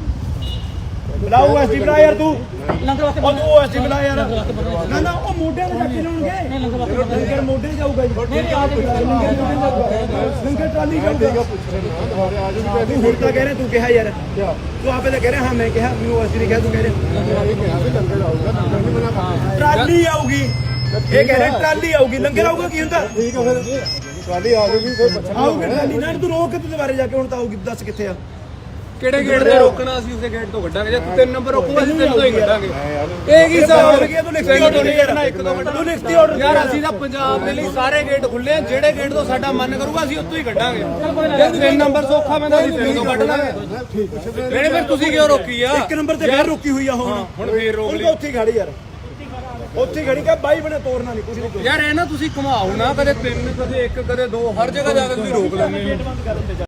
Speaker 1: ਬਣਾ ਉਹ ਐਸਡੀ ਬਣਾ ਯਾਰ ਤੂੰ
Speaker 3: ਲੰਗਰ ਵਾਸਤੇ
Speaker 1: ਉਹ ਐਸਡੀ ਬਣਾ ਯਾਰ ਨਾ ਨਾ ਉਹ ਮੋਢਿਆਂ ਤੇ ਚੱਕ ਕੇ ਲਾਉਣਗੇ
Speaker 3: ਲੰਗਰ ਵਾਸਤੇ
Speaker 1: ਲੰਗਰ ਮੋਢੇ ਜਾਊਗਾ ਜੀ
Speaker 3: ਨਹੀਂ ਆ
Speaker 1: ਲੰਗਰ ਟਰਾਲੀ ਜਾਊਗਾ ਤੂੰ ਹੁਣ ਤਾਂ ਕਹਿ ਰਿਹਾ ਤੂੰ ਕਿਹਾ ਯਾਰ ਤੂੰ ਆਪੇ ਤਾਂ ਕਹਿ ਰਿਹਾ ਹਾਂ ਮੈਂ ਕਿਹਾ ਮੈਨੂੰ ਉਹ ਐਸਡੀ ਨੇ ਕਿਹਾ ਤੂੰ ਕਹਿ ਰਿਹਾ
Speaker 2: ਇਹ ਕਿਹਾ ਵੀ ਲੰਗਰ ਆਊਗਾ ਲੰਗਰ ਨਹੀਂ ਬਣਾ ਪਾਉਂਦੇ
Speaker 1: ਟਰਾਲੀ ਆਊਗੀ ਇਹ ਕਹਿ ਰਿਹਾ ਟਰਾਲੀ ਆਊਗੀ ਲੰਗਰ ਆਊਗਾ ਕੀ ਹੁੰਦਾ
Speaker 2: ਠੀਕ ਹੈ ਫਿਰ ਟਰਾਲੀ ਆ ਜਾਊਗੀ ਫਿਰ
Speaker 1: ਆਊਗੀ ਟਰਾਲੀ ਨਾ ਤੂੰ ਰੋਕ ਕੇ ਤੂੰ ਦੁਬਾਰੇ ਜਾ ਕੇ ਹੁਣ ਤਾਂ ਆਊਗੀ ਦੱਸ ਕਿੱਥੇ ਆ
Speaker 4: ਕਿਹੜੇ ਗੇਟ ਤੇ ਰੋਕਣਾ ਅਸੀਂ ਉਸੇ ਗੇਟ ਤੋਂ ਕੱਢਾਂਗੇ ਜੇ ਤੂੰ 3 ਨੰਬਰ ਰੋਕੂਗਾ ਅਸੀਂ 3 ਤੋਂ ਹੀ ਕੱਢਾਂਗੇ ਇਹ ਕੀ ਹਿਸਾਬ
Speaker 1: ਹੋ ਗਿਆ ਤੂੰ ਲਿਖਤੀ ਆਰਡਰ ਨਹੀਂ ਕਰਨਾ ਇੱਕ ਦੋ ਮਿੰਟ ਤੂੰ ਲਿਖਤੀ ਆਰਡਰ
Speaker 4: ਯਾਰ ਅਸੀਂ ਤਾਂ ਪੰਜਾਬ ਦੇ ਲਈ ਸਾਰੇ ਗੇਟ ਖੁੱਲੇ ਆ ਜਿਹੜੇ ਗੇਟ ਤੋਂ ਸਾਡਾ ਮਨ ਕਰੂਗਾ ਅਸੀਂ ਉੱਥੋਂ ਹੀ ਕੱਢਾਂਗੇ ਜੇ 3 ਨੰਬਰ ਸੌਖਾ ਪੈਂਦਾ ਅਸੀਂ 3 ਤੋਂ ਕੱਢ ਲਾਂਗੇ ਨਹੀਂ ਫਿਰ ਤੁਸੀਂ ਕਿਉਂ ਰੋਕੀ ਆ
Speaker 1: ਇੱਕ ਨੰਬਰ ਤੇ ਫੇਰ ਰੁਕੀ ਹੋਈ ਆ ਹੁਣ
Speaker 4: ਹੁਣ ਫੇਰ ਰੋਕ
Speaker 1: ਹੁਣ
Speaker 4: ਲਈ
Speaker 1: ਤਾਂ ਉੱਥੇ ਹੀ ਖੜੀ ਯਾਰ ਉੱਥੇ ਹੀ ਖੜੀ ਕਾ ਬਾਈ ਬਣੇ ਤੋੜਨਾ ਨਹੀਂ ਕੁਝ ਨਹੀਂ
Speaker 4: ਯਾਰ ਇਹ ਨਾ ਤੁਸੀਂ ਘੁਮਾਓ ਨਾ ਕਦੇ 3 ਕਦੇ 1 ਕਦੇ 2 ਹਰ ਜਗ੍ਹਾ ਜਾ ਕੇ ਤੁਸੀਂ ਰੋਕ ਲੈਂਦੇ ਹੋ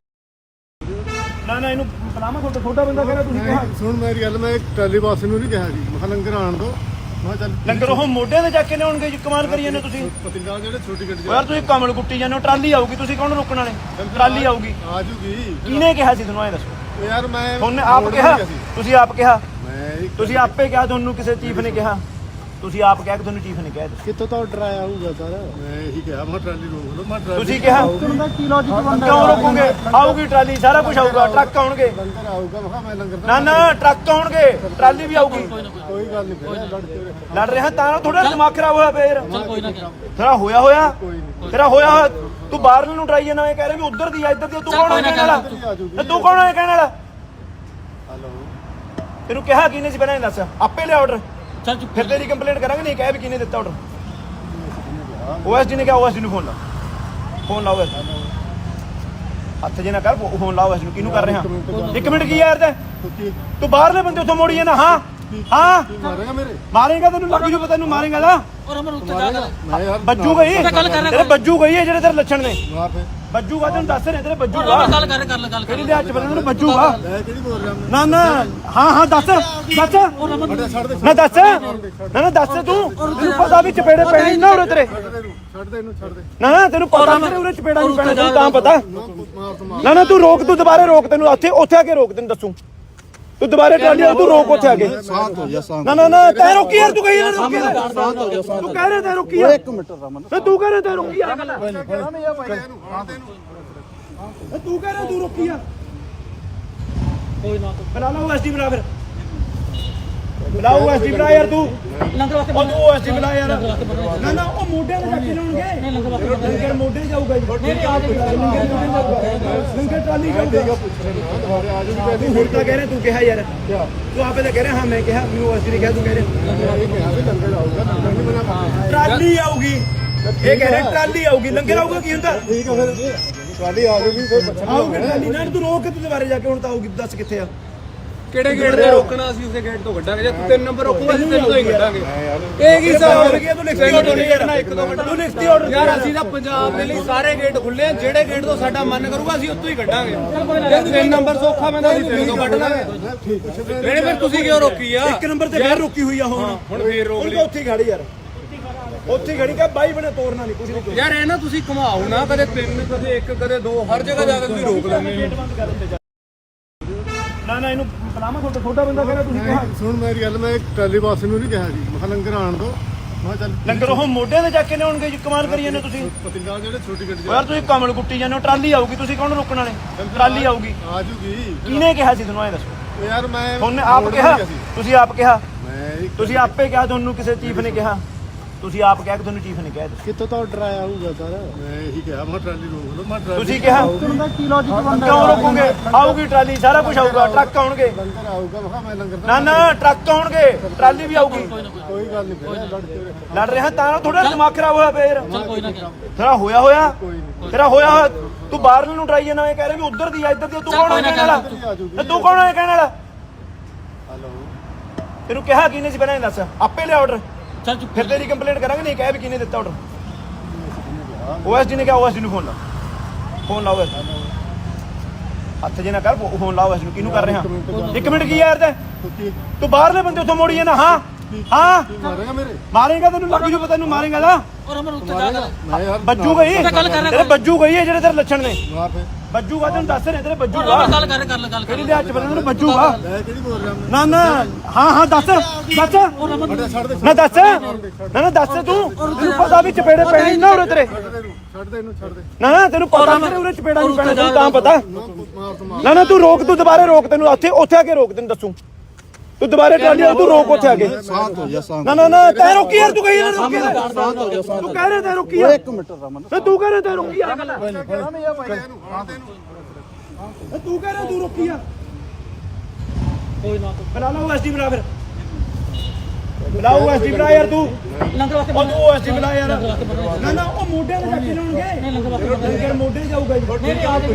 Speaker 1: ਨਾ ਇਹਨੂੰ ਬਲਾਮਾ ਛੋਟਾ ਬੰਦਾ ਕਹਿੰਦਾ ਤੁਸੀਂ ਕਿਹਾ
Speaker 2: ਸੁਣ ਮੇਰੀ ਗੱਲ ਮੈਂ ਟਰਾਲੀ ਵਾਸੀ ਨੂੰ ਨਹੀਂ ਕਿਹਾ ਜੀ ਮੈਂ ਕਿਹਾ ਲੰਗਰ ਆਣ ਦੋ ਮੈਂ ਕਿਹਾ ਚੱਲ
Speaker 1: ਲੰਗਰ ਉਹ ਮੋਢਿਆਂ ਤੇ ਜਾ ਕੇ ਲਿਆਉਣਗੇ ਜੀ ਕਮਾਲ ਕਰੀ ਜਾਂਦੇ ਤੁਸੀਂ
Speaker 2: ਪਤਿੰਗਾ ਜਿਹੜੇ ਛੋਟੀ ਗੱਡੀ
Speaker 1: ਯਾਰ ਤੁਸੀਂ ਕਮਲ ਕੁੱਟੀ ਜਾਂਦੇ ਹੋ ਟਰਾਲੀ ਆਊਗੀ ਤੁਸੀਂ ਕੌਣ ਰੋਕਣ ਵਾਲੇ ਟਰਾਲੀ ਆਊਗੀ
Speaker 2: ਆ ਜੂਗੀ
Speaker 1: ਕਿਹਨੇ ਕਿਹਾ ਸੀ ਤੁਹਾਨੂੰ ਇਹ ਦੱਸੋ
Speaker 2: ਯਾਰ ਮੈਂ
Speaker 1: ਤੁਹਾਨੂੰ ਆਪ ਕਿਹਾ ਤੁਸੀਂ ਆਪ ਕਿਹਾ
Speaker 2: ਮੈਂ
Speaker 1: ਤੁਸੀਂ ਆਪੇ ਕਿਹਾ ਤੁਹਾਨੂੰ ਕਿਸੇ ਚੀਫ ਨੇ ਕਿਹਾ ਤੁਸੀਂ ਆਪ ਕਹਿ ਕੇ ਤੁਹਾਨੂੰ ਚੀਫ ਨੇ ਕਿਹਾ
Speaker 2: ਕਿੱਥੋਂ ਤਾਂ ਆਰਡਰ ਆਇਆ ਹੋਊਗਾ ਸਰ ਮੈਂ ਇਹੀ ਕਿਹਾ ਮੈਂ ਟਰਾਲੀ ਰੋਕ ਲਓ ਮੈਂ ਟਰਾਲੀ
Speaker 1: ਤੁਸੀਂ ਕਿਹਾ
Speaker 2: ਕੀ ਲੌਜੀਕ
Speaker 1: ਕਿਉਂ ਰੋਕੋਗੇ ਆਊਗੀ ਟਰਾਲੀ ਸਾਰਾ ਕੁਝ ਆਊਗਾ ਟਰੱਕ ਆਉਣਗੇ
Speaker 2: ਲੰਗਰ ਆਊਗਾ ਮੈਂ ਕਿਹਾ ਮੈਂ ਲੰਗਰ
Speaker 1: ਨਾ ਟਰੱਕ ਆਉਣਗੇ ਟਰਾਲੀ ਵੀ ਆਊਗੀ
Speaker 2: ਕੋਈ ਗੱਲ ਨਹੀਂ ਫਿਰ ਲੜ ਕੇ
Speaker 1: ਲੜ ਰਿਹਾ ਤਾਂ ਥੋੜਾ ਦਿਮਾਗ ਖਰਾਬ ਹੋਇਆ ਫੇਰ
Speaker 3: ਕੋਈ ਨਾ
Speaker 1: ਤੇਰਾ ਹੋਇਆ ਤੇਰਾ ਹੋਇਆ ਤੂੰ ਬਾਹਰਲੇ ਨੂੰ ਟਰਾਈ ਜਾਣਾ ਇਹ ਕਹਿ ਰਿਹਾ ਵੀ ਉਧਰ ਦੀ ਆ ਇੱਧਰ ਦੀ ਤੂੰ ਕੌਣ ਹੈ ਕਹਿਣ ਵਾਲਾ ਤੇ ਤੂੰ ਕੌਣ ਹੈ ਕਹਿਣ ਵਾਲਾ
Speaker 2: ਹਲੋ
Speaker 1: ਤੈਨੂੰ ਕਿਹਾ ਕਿਹਨੇ ਸੀ ਪਹਿਲਾਂ ਇਹ ਦੱਸ ਆਪੇ ਲਿਆ ਆਰਡਰ
Speaker 3: ਚੱਲ ਚੁੱਪ
Speaker 1: ਫਿਰ ਤੇਰੀ ਕੰਪਲੇਂਟ ਕਰਾਂਗੇ ਨਹੀਂ ਕਹਿ ਵੀ ਕਿਹਨੇ ਦਿੱਤਾ ਆਰਡਰ ਓਐਸਡੀ ਨੇ ਕਿਹਾ ਓਐਸਡੀ ਨੂੰ ਫੋਨ ਲਾਓ ਹੱਥ ਜੇ ਨਾ ਕਰ ਫੋਨ ਲਾਓ ਇਸ ਨੂੰ ਕਿਹਨੂੰ ਕਰ ਰਿਹਾ 1 ਮਿੰਟ ਕੀ ਯਾਰ ਤੂੰ ਬਾਹਰਲੇ ਬੰਦੇ ਉੱਥੋਂ ਮੋੜੀ ਜਾਂਦਾ ਹਾਂ ਹਾਂ
Speaker 2: ਮਾਰੇਗਾ ਮੇਰੇ
Speaker 1: ਮਾਰੇਗਾ ਤੈਨੂੰ ਲੱਗ ਜੂ ਪਤਾ ਤੈਨੂੰ ਮਾਰੇਗਾ ਨਾ
Speaker 3: ਔਰ ਅਮਰ ਉੱਤੇ ਜਾ ਕਰ
Speaker 2: ਮੈਂ ਯਾਰ
Speaker 1: ਬੱਜੂ ਗਈ
Speaker 3: ਗੱਲ ਕਰ ਰਿਹਾ
Speaker 1: ਤੇਰੇ ਬੱਜੂ ਗਈ ਹੈ ਜਿਹੜੇ ਤੇਰੇ ਲੱਛਣ ਨੇ
Speaker 2: ਮਾਰ ਫੇ
Speaker 1: ਬੱਜੂਗਾ ਤੈਨੂੰ ਦੱਸ ਰਿਹਾ ਤੇਰੇ
Speaker 3: ਔਰ
Speaker 1: ਬੱਜੂਗਾ
Speaker 3: ਅਮਰ ਗੱਲ ਕਰ ਗੱਲ
Speaker 1: ਕਿਹੜੀ ਦੇ ਹੱਥ ਬੰਦੇ ਨੂੰ ਬੱਜੂਗਾ
Speaker 2: ਮੈਂ ਕਿਹੜੀ ਬੋਲ ਰਿਹਾ
Speaker 1: ਨਾ ਨਾ ਹਾਂ ਹਾਂ ਦੱਸ
Speaker 2: ਬੜਾ ਛੱਡ ਦੇ
Speaker 1: ਨਾ ਦੱਸ ਨਾ ਦੱਸ ਤੂੰ ਤੈਨੂੰ ਪਤਾ ਵੀ ਚਪੇੜੇ ਪੈਣੇ ਨਾ ਉਰੇ ਤੇਰੇ
Speaker 2: ਛੱਡ ਦੇ ਇਹਨੂੰ ਛੱਡ ਦੇ
Speaker 1: ਨਾ ਤੈਨੂੰ ਪਤਾ ਤੇਰੇ ਉਰੇ ਚਪੇੜਾ ਨਹੀਂ ਪੈਣਾ ਤੈਨੂੰ ਤਾਂ ਪਤਾ
Speaker 2: ਮਾਰ ਤੋਂ ਮਾਰ
Speaker 1: ਨਾ ਤੂੰ ਰੋਕ ਤੂੰ ਦੁਬਾਰੇ ਰੋਕ ਤੈਨੂੰ ਉੱਥੇ ਆ ਕੇ ਰੋਕ ਤੈਨੂੰ ਦੱਸੂ ਤੂੰ ਦੁਬਾਰੇ ਟਰਾਲੀ ਵਾਲਾ ਤੂੰ ਰੋਕ ਉੱਥੇ ਆ ਕੇ
Speaker 2: ਸਾਥ ਹੋ ਜਾ ਸਾਥ
Speaker 1: ਨਾ ਤੈ ਰੋਕੀ ਯਾਰ ਤੂੰ ਕਹੀ ਯਾਰ ਰੋਕੀ ਤੂੰ ਕਹਿ ਰਿਹਾ ਤੈ ਰੋਕੀ ਯਾਰ
Speaker 2: 1 ਮਿੰਟ ਰਮਨ
Speaker 1: ਤੂੰ ਕਹਿ ਰਿਹਾ ਤੈ ਰੋਕੀ ਯਾਰ
Speaker 2: ਇਹਨੂੰ ਫੜਾ ਦੇ ਇਹਨੂੰ
Speaker 1: ਤੂੰ ਕਹਿ ਰਿਹਾ ਤੂੰ ਰੋਕੀ ਯਾਰ
Speaker 3: ਕੋਈ ਨਾ
Speaker 1: ਬਣਾ ਲਾ ਉਹ ਐਸਡੀ ਬਣਾ ਫਿਰ ਬੁਲਾਓ ਐਸਡੀ ਬਣਾ ਯਾਰ ਤੂੰ
Speaker 3: ਲੰਗਰ ਵਾਸਤੇ
Speaker 1: ਉਹ ਤੂੰ ਐਸਡੀ ਬਣਾ ਯਾਰ ਨਾ ਉਹ ਮੋਢਿਆਂ ਤੇ ਚੱਕ ਕੇ ਲਾਉਣਗੇ ਲੰਗਰ ਮੋਢੇ ਜਾਊਗਾ ਜੀ ਲੰਗਰ ਟਰਾਲੀ ਜਾਊਗਾ
Speaker 2: ਦੁਬਾਰੇ ਆ ਜਾਊਗੀ
Speaker 1: ਤੂੰ ਹੁਣ ਤਾਂ ਕਹਿ ਰਿਹਾ ਤੂੰ ਕਿਹਾ ਯਾਰ ਤੂੰ ਆਪੇ ਤਾਂ ਕਹਿ ਰਿਹਾ ਹਾਂ ਮੈਂ ਕਿਹਾ ਮੈਨੂੰ ਐਸਡੀ ਨੇ ਕਿਹਾ ਤੂੰ ਕਹਿ ਰਿਹਾ
Speaker 2: ਇਹ ਕਿਹਾ ਵੀ ਲੰਗਰ ਆਊਗਾ ਲੰਗਰ ਨਹੀਂ ਬਣਾ ਪਾਉਂਦੇ
Speaker 1: ਟਰਾਲੀ ਆਊਗੀ ਇਹ ਕਹਿ ਰਿਹਾ ਟਰਾਲੀ ਆਊਗੀ ਲੰਗਰ ਆਊਗਾ ਕੀ ਹੁੰਦਾ
Speaker 2: ਠੀਕ ਹੈ ਫਿਰ ਟਰਾਲੀ ਆ ਜਾਊਗੀ ਫਿਰ ਪੁੱਛਣਾ
Speaker 1: ਆਊਗੀ ਟਰਾਲੀ ਨਾ ਤੂੰ ਰੋਕ ਕੇ ਤੂੰ ਦੁਬਾਰੇ ਜਾ ਕੇ ਹੁਣ ਤਾਂ ਆਊਗੀ ਦੱਸ ਕਿੱਥੇ ਆ
Speaker 4: ਕਿਹੜੇ ਗੇਟ ਤੇ ਰੋਕਣਾ ਅਸੀਂ ਉਸੇ ਗੇਟ ਤੋਂ ਕੱਢਾਂਗੇ ਜੇ ਤੂੰ 3 ਨੰਬਰ ਰੋਕੂਗਾ ਅਸੀਂ 3 ਤੋਂ ਹੀ ਕੱਢਾਂਗੇ
Speaker 2: ਯਾਰ
Speaker 4: ਇਹ ਕੀ ਹਿਸਾਬ
Speaker 1: ਹੋ ਗਿਆ ਤੂੰ ਲਿਖਤੀ ਆਰਡਰ ਨਹੀਂ ਕਰਨਾ ਇੱਕ ਦੋ ਮਿੰਟ ਤੂੰ ਲਿਖਤੀ ਆਰਡਰ
Speaker 4: ਯਾਰ ਅਸੀਂ ਤਾਂ ਪੰਜਾਬ ਦੇ ਲਈ ਸਾਰੇ ਗੇਟ ਖੁੱਲੇ ਆ ਜਿਹੜੇ ਗੇਟ ਤੋਂ ਸਾਡਾ ਮਨ ਕਰੂਗਾ ਅਸੀਂ ਉੱਥੋਂ ਹੀ ਕੱਢਾਂਗੇ ਜੇ 3 ਨੰਬਰ ਸੌਖਾ ਪੈਂਦਾ ਅਸੀਂ 3 ਤੋਂ ਕੱਢ ਲਾਂਗੇ
Speaker 2: ਠੀਕ ਹੈ
Speaker 4: ਨਹੀਂ ਫਿਰ ਤੁਸੀਂ ਕਿਉਂ ਰੋਕੀ ਆ
Speaker 1: ਇੱਕ ਨੰਬਰ ਤੇ ਫੇਰ ਰੁਕੀ ਹੋਈ ਆ ਹੁਣ
Speaker 4: ਹੁਣ ਫੇਰ ਰੋਕ
Speaker 1: ਹੁਣ
Speaker 4: ਲਈ
Speaker 1: ਤਾਂ ਉੱਥੇ ਹੀ ਖੜੀ ਯਾਰ ਉੱਥੇ ਹੀ ਖੜੀ ਕਾ ਬਾਈ ਬਣੇ ਤੋੜਨਾ ਨਹੀਂ ਕੁਝ ਨਹੀਂ
Speaker 4: ਯਾਰ ਇਹ ਨਾ ਤੁਸੀਂ ਘੁਮਾਓ ਨਾ ਕਦੇ 3 ਕਦੇ 1 ਕਦੇ 2 ਹਰ ਜਗ੍ਹਾ ਜਾ ਕੇ ਤੁਸੀਂ ਰੋਕ ਲੈਂਦੇ ਹੋ
Speaker 1: ਨਾ ਇਹਨੂੰ ਬਲਾਮਾ ਛੋਟਾ ਬੰਦਾ ਕਹਿੰਦਾ ਤੁਸੀਂ ਕਿਹਾ
Speaker 2: ਸੁਣ ਮੇਰੀ ਗੱਲ ਮੈਂ ਟਰਾਲੀ ਬਾਸ ਨੂੰ ਨਹੀਂ ਕਿਹਾ ਜੀ ਮੈਂ ਕਿਹਾ ਲੰਗਰ ਆਣ ਦੋ ਮੈਂ ਕਿਹਾ ਚੱਲ
Speaker 1: ਲੰਗਰ ਉਹ ਮੋਢਿਆਂ ਤੇ ਜਾ ਕੇ ਲਿਆਉਣਗੇ ਜੀ ਕਮਾਲ ਕਰੀ ਜਾਂਦੇ ਤੁਸੀਂ
Speaker 2: ਪਤਿੰਗਾ ਜਿਹੜੇ ਛੋਟੀ ਗੱਡੀ
Speaker 1: ਯਾਰ ਤੁਸੀਂ ਕਮਲ ਕੁੱਟੀ ਜਾਂਦੇ ਹੋ ਟਰਾਲੀ ਆਊਗੀ ਤੁਸੀਂ ਕੌਣ ਰੋਕਣ ਵਾਲੇ ਟਰਾਲੀ ਆਊਗੀ
Speaker 2: ਆ ਜੂਗੀ
Speaker 1: ਕਿਹਨੇ ਕਿਹਾ ਸੀ ਤੁਹਾਨੂੰ ਇਹ ਦੱਸੋ
Speaker 2: ਯਾਰ ਮੈਂ
Speaker 1: ਤੁਹਾਨੂੰ ਆਪ ਕਿਹਾ ਤੁਸੀਂ ਆਪ ਕਿਹਾ
Speaker 2: ਮੈਂ
Speaker 1: ਤੁਸੀਂ ਆਪੇ ਕਿਹਾ ਤੁਹਾਨੂੰ ਕਿਸੇ ਚੀਫ ਨੇ ਕਿਹਾ ਤੁਸੀਂ ਆਪ ਕਿਹਾ ਕਿ ਤੁਹਾਨੂੰ ਚੀਫ ਨੇ ਕਿਹਾ
Speaker 2: ਕਿੱਥੋਂ ਤੋਂ ਆਰਡਰ ਆਇਆ ਹੋਊਗਾ ਸਰ ਮੈਂ ਇਹੀ ਕਿਹਾ ਮੈਂ ਟਰਾਲੀ ਰੋਕ ਲਓ ਮੈਂ ਟਰਾਲੀ
Speaker 1: ਤੁਸੀਂ ਕਿਹਾ
Speaker 2: ਕੀ ਲੌਜੀਕ
Speaker 1: ਕਿਉਂ ਰੋਕੋਗੇ ਆਊਗੀ ਟਰਾਲੀ ਸਾਰਾ ਕੁਝ ਆਊਗਾ ਟਰੱਕ ਆਉਣਗੇ
Speaker 2: ਲੰਗਰ ਆਊਗਾ ਮੈਂ ਕਿਹਾ ਮੈਂ ਲੰਗਰ
Speaker 1: ਨਾ ਟਰੱਕ ਆਉਣਗੇ ਟਰਾਲੀ ਵੀ ਆਊਗੀ
Speaker 2: ਕੋਈ ਗੱਲ ਨਹੀਂ ਫਿਰ ਲੜ ਕੇ
Speaker 1: ਲੜ ਰਿਹਾ ਤਾਂ ਥੋੜਾ ਦਿਮਾਗ ਖਰਾਬ ਹੋਇਆ ਫੇਰ
Speaker 3: ਚੱਲ ਕੋਈ ਨਾ
Speaker 1: ਤੇਰਾ ਹੋਇਆ ਤੇਰਾ ਹੋਇਆ ਤੂੰ ਬਾਹਰਲੇ ਨੂੰ ਟਰਾਈ ਜਾਣਾ ਇਹ ਕਹਿ ਰਿਹਾ ਵੀ ਉਧਰ ਦੀ ਆ ਇੱਧਰ ਦੀ ਤੂੰ ਕੌਣ ਹੈ ਕਹਿਣ ਵਾਲਾ ਤੇ ਤੂੰ ਕੌਣ ਹੈ ਕਹਿਣ ਵਾਲਾ
Speaker 2: ਹਲੋ
Speaker 1: ਤੈਨੂੰ ਕਿਹਾ ਕਿਹਨੇ ਸੀ ਪਹਿਲਾਂ ਇਹ ਦੱਸ ਆਪੇ ਲਿਆ ਆਰਡਰ
Speaker 3: ਚੱਲ ਚੁੱਪ
Speaker 1: ਫਿਰ ਤੇਰੀ ਕੰਪਲੇਂਟ ਕਰਾਂਗੇ ਨਹੀਂ ਕਹਿ ਵੀ ਕਿਹਨੇ ਦਿੱਤਾ ਆਰਡਰ ਓਐਸਡੀ ਨੇ ਕਿਹਾ ਓਐਸਡੀ ਨੂੰ ਫੋਨ ਲਾਓ ਹੱਥ ਜੇ ਨਾ ਕਰ ਫੋਨ ਲਾਓ ਇਸ ਨੂੰ ਕਿਹਨੂੰ ਕਰ ਰਿਹਾ 1 ਮਿੰਟ ਕੀ ਯਾਰ ਤੂੰ ਬਾਹਰਲੇ ਬੰਦੇ ਉੱਥੋਂ ਮੋੜੀ ਜਾਂਦਾ ਹਾਂ ਹਾਂ
Speaker 2: ਮਾਰੇਗਾ ਮੇਰੇ
Speaker 1: ਮਾਰੇਗਾ ਤੈਨੂੰ ਲੱਗ ਜੂ ਪਤਾ ਤੈਨੂੰ ਮਾਰੇਗਾ ਨਾ
Speaker 3: ਔਰ ਅਮਰ ਉੱਤੇ ਜਾ ਕਰ
Speaker 2: ਮੈਂ ਯਾਰ
Speaker 1: ਬੱਜੂ ਗਈ
Speaker 3: ਗੱਲ ਕਰ ਰਿਹਾ
Speaker 1: ਤੇਰੇ ਬੱਜੂ ਗਈ ਹੈ ਜਿਹੜੇ ਤੇਰੇ ਲੱਛਣ ਨੇ
Speaker 2: ਮਾਰ ਫੇ
Speaker 1: ਬੱਜੂਗਾ ਤੈਨੂੰ ਦੱਸ ਰਿਹਾ ਤੇਰੇ
Speaker 3: ਔਰ
Speaker 1: ਬੱਜੂਗਾ
Speaker 3: ਅਮਰ ਗੱਲ ਕਰ ਗੱਲ
Speaker 1: ਕਿਹੜੀ ਦੇ ਹੱਥ ਬੰਦੇ ਨੂੰ ਬੱਜੂਗਾ
Speaker 2: ਮੈਂ ਕਿਹੜੀ ਬੋਲ ਰਿਹਾ
Speaker 1: ਨਾ ਹਾਂ ਦੱਸ
Speaker 2: ਬੜਾ ਛੱਡ ਦੇ
Speaker 1: ਨਾ ਦੱਸ ਨਾ ਦੱਸ ਤੂੰ ਤੈਨੂੰ ਪਤਾ ਵੀ ਚਪੇੜੇ ਪੈਣੇ ਨਾ ਉਰੇ ਤੇਰੇ
Speaker 2: ਛੱਡ ਦੇ ਇਹਨੂੰ ਛੱਡ ਦੇ
Speaker 1: ਨਾ ਤੈਨੂੰ ਪਤਾ ਤੇਰੇ ਉਰੇ ਚਪੇੜਾ ਨਹੀਂ ਪੈਣਾ ਤੈਨੂੰ ਤਾਂ ਪਤਾ
Speaker 2: ਮਾਰ ਤੋਂ ਮਾਰ
Speaker 1: ਨਾ ਤੂੰ ਰੋਕ ਤੂੰ ਦੁਬਾਰੇ ਰੋਕ ਤੈਨੂੰ ਉੱਥੇ ਆ ਕੇ ਰੋਕ ਤੈਨੂੰ ਦੱਸੂ ਤੂੰ ਦੁਬਾਰੇ ਟਰਾਲੀ ਵਾਲਾ ਤੂੰ ਰੋਕ ਉੱਥੇ ਆ ਕੇ
Speaker 2: ਸਾਥ ਹੋ ਜਾ ਸਾਥ
Speaker 1: ਨਾ ਤੈ ਰੋਕੀ ਯਾਰ ਤੂੰ ਕਹੀ ਯਾਰ ਰੋਕੀ ਤੂੰ ਕਹਿ ਰਿਹਾ ਤੈ ਰੋਕੀ ਯਾਰ
Speaker 2: 1 ਮਿੰਟ ਰਮਨ
Speaker 1: ਤੂੰ ਕਹਿ ਰਿਹਾ ਤੈ ਰੋਕੀ ਯਾਰ
Speaker 2: ਇਹਨੂੰ ਫੜਾ ਦੇ ਇਹਨੂੰ
Speaker 1: ਤੂੰ ਕਹਿ ਰਿਹਾ ਤੂੰ ਰੋਕੀ ਯਾਰ
Speaker 3: ਕੋਈ ਨਾ
Speaker 1: ਬਣਾ ਲਾ ਉਹ ਐਸਡੀ ਬਣਾ ਫਿਰ ਬੁਲਾਓ ਐਸਡੀ ਬਣਾ ਯਾਰ ਤੂੰ
Speaker 3: ਲੰਗਰ ਵਾਸਤੇ
Speaker 1: ਉਹ ਤੂੰ ਐਸਡੀ ਬਣਾ ਯਾਰ ਨਾ ਉਹ ਮੋਢਿਆਂ ਤੇ ਚੱਕ ਕੇ ਲਾਉਣਗੇ ਲੰਗਰ ਮੋਢੇ ਜਾਊਗਾ ਜੀ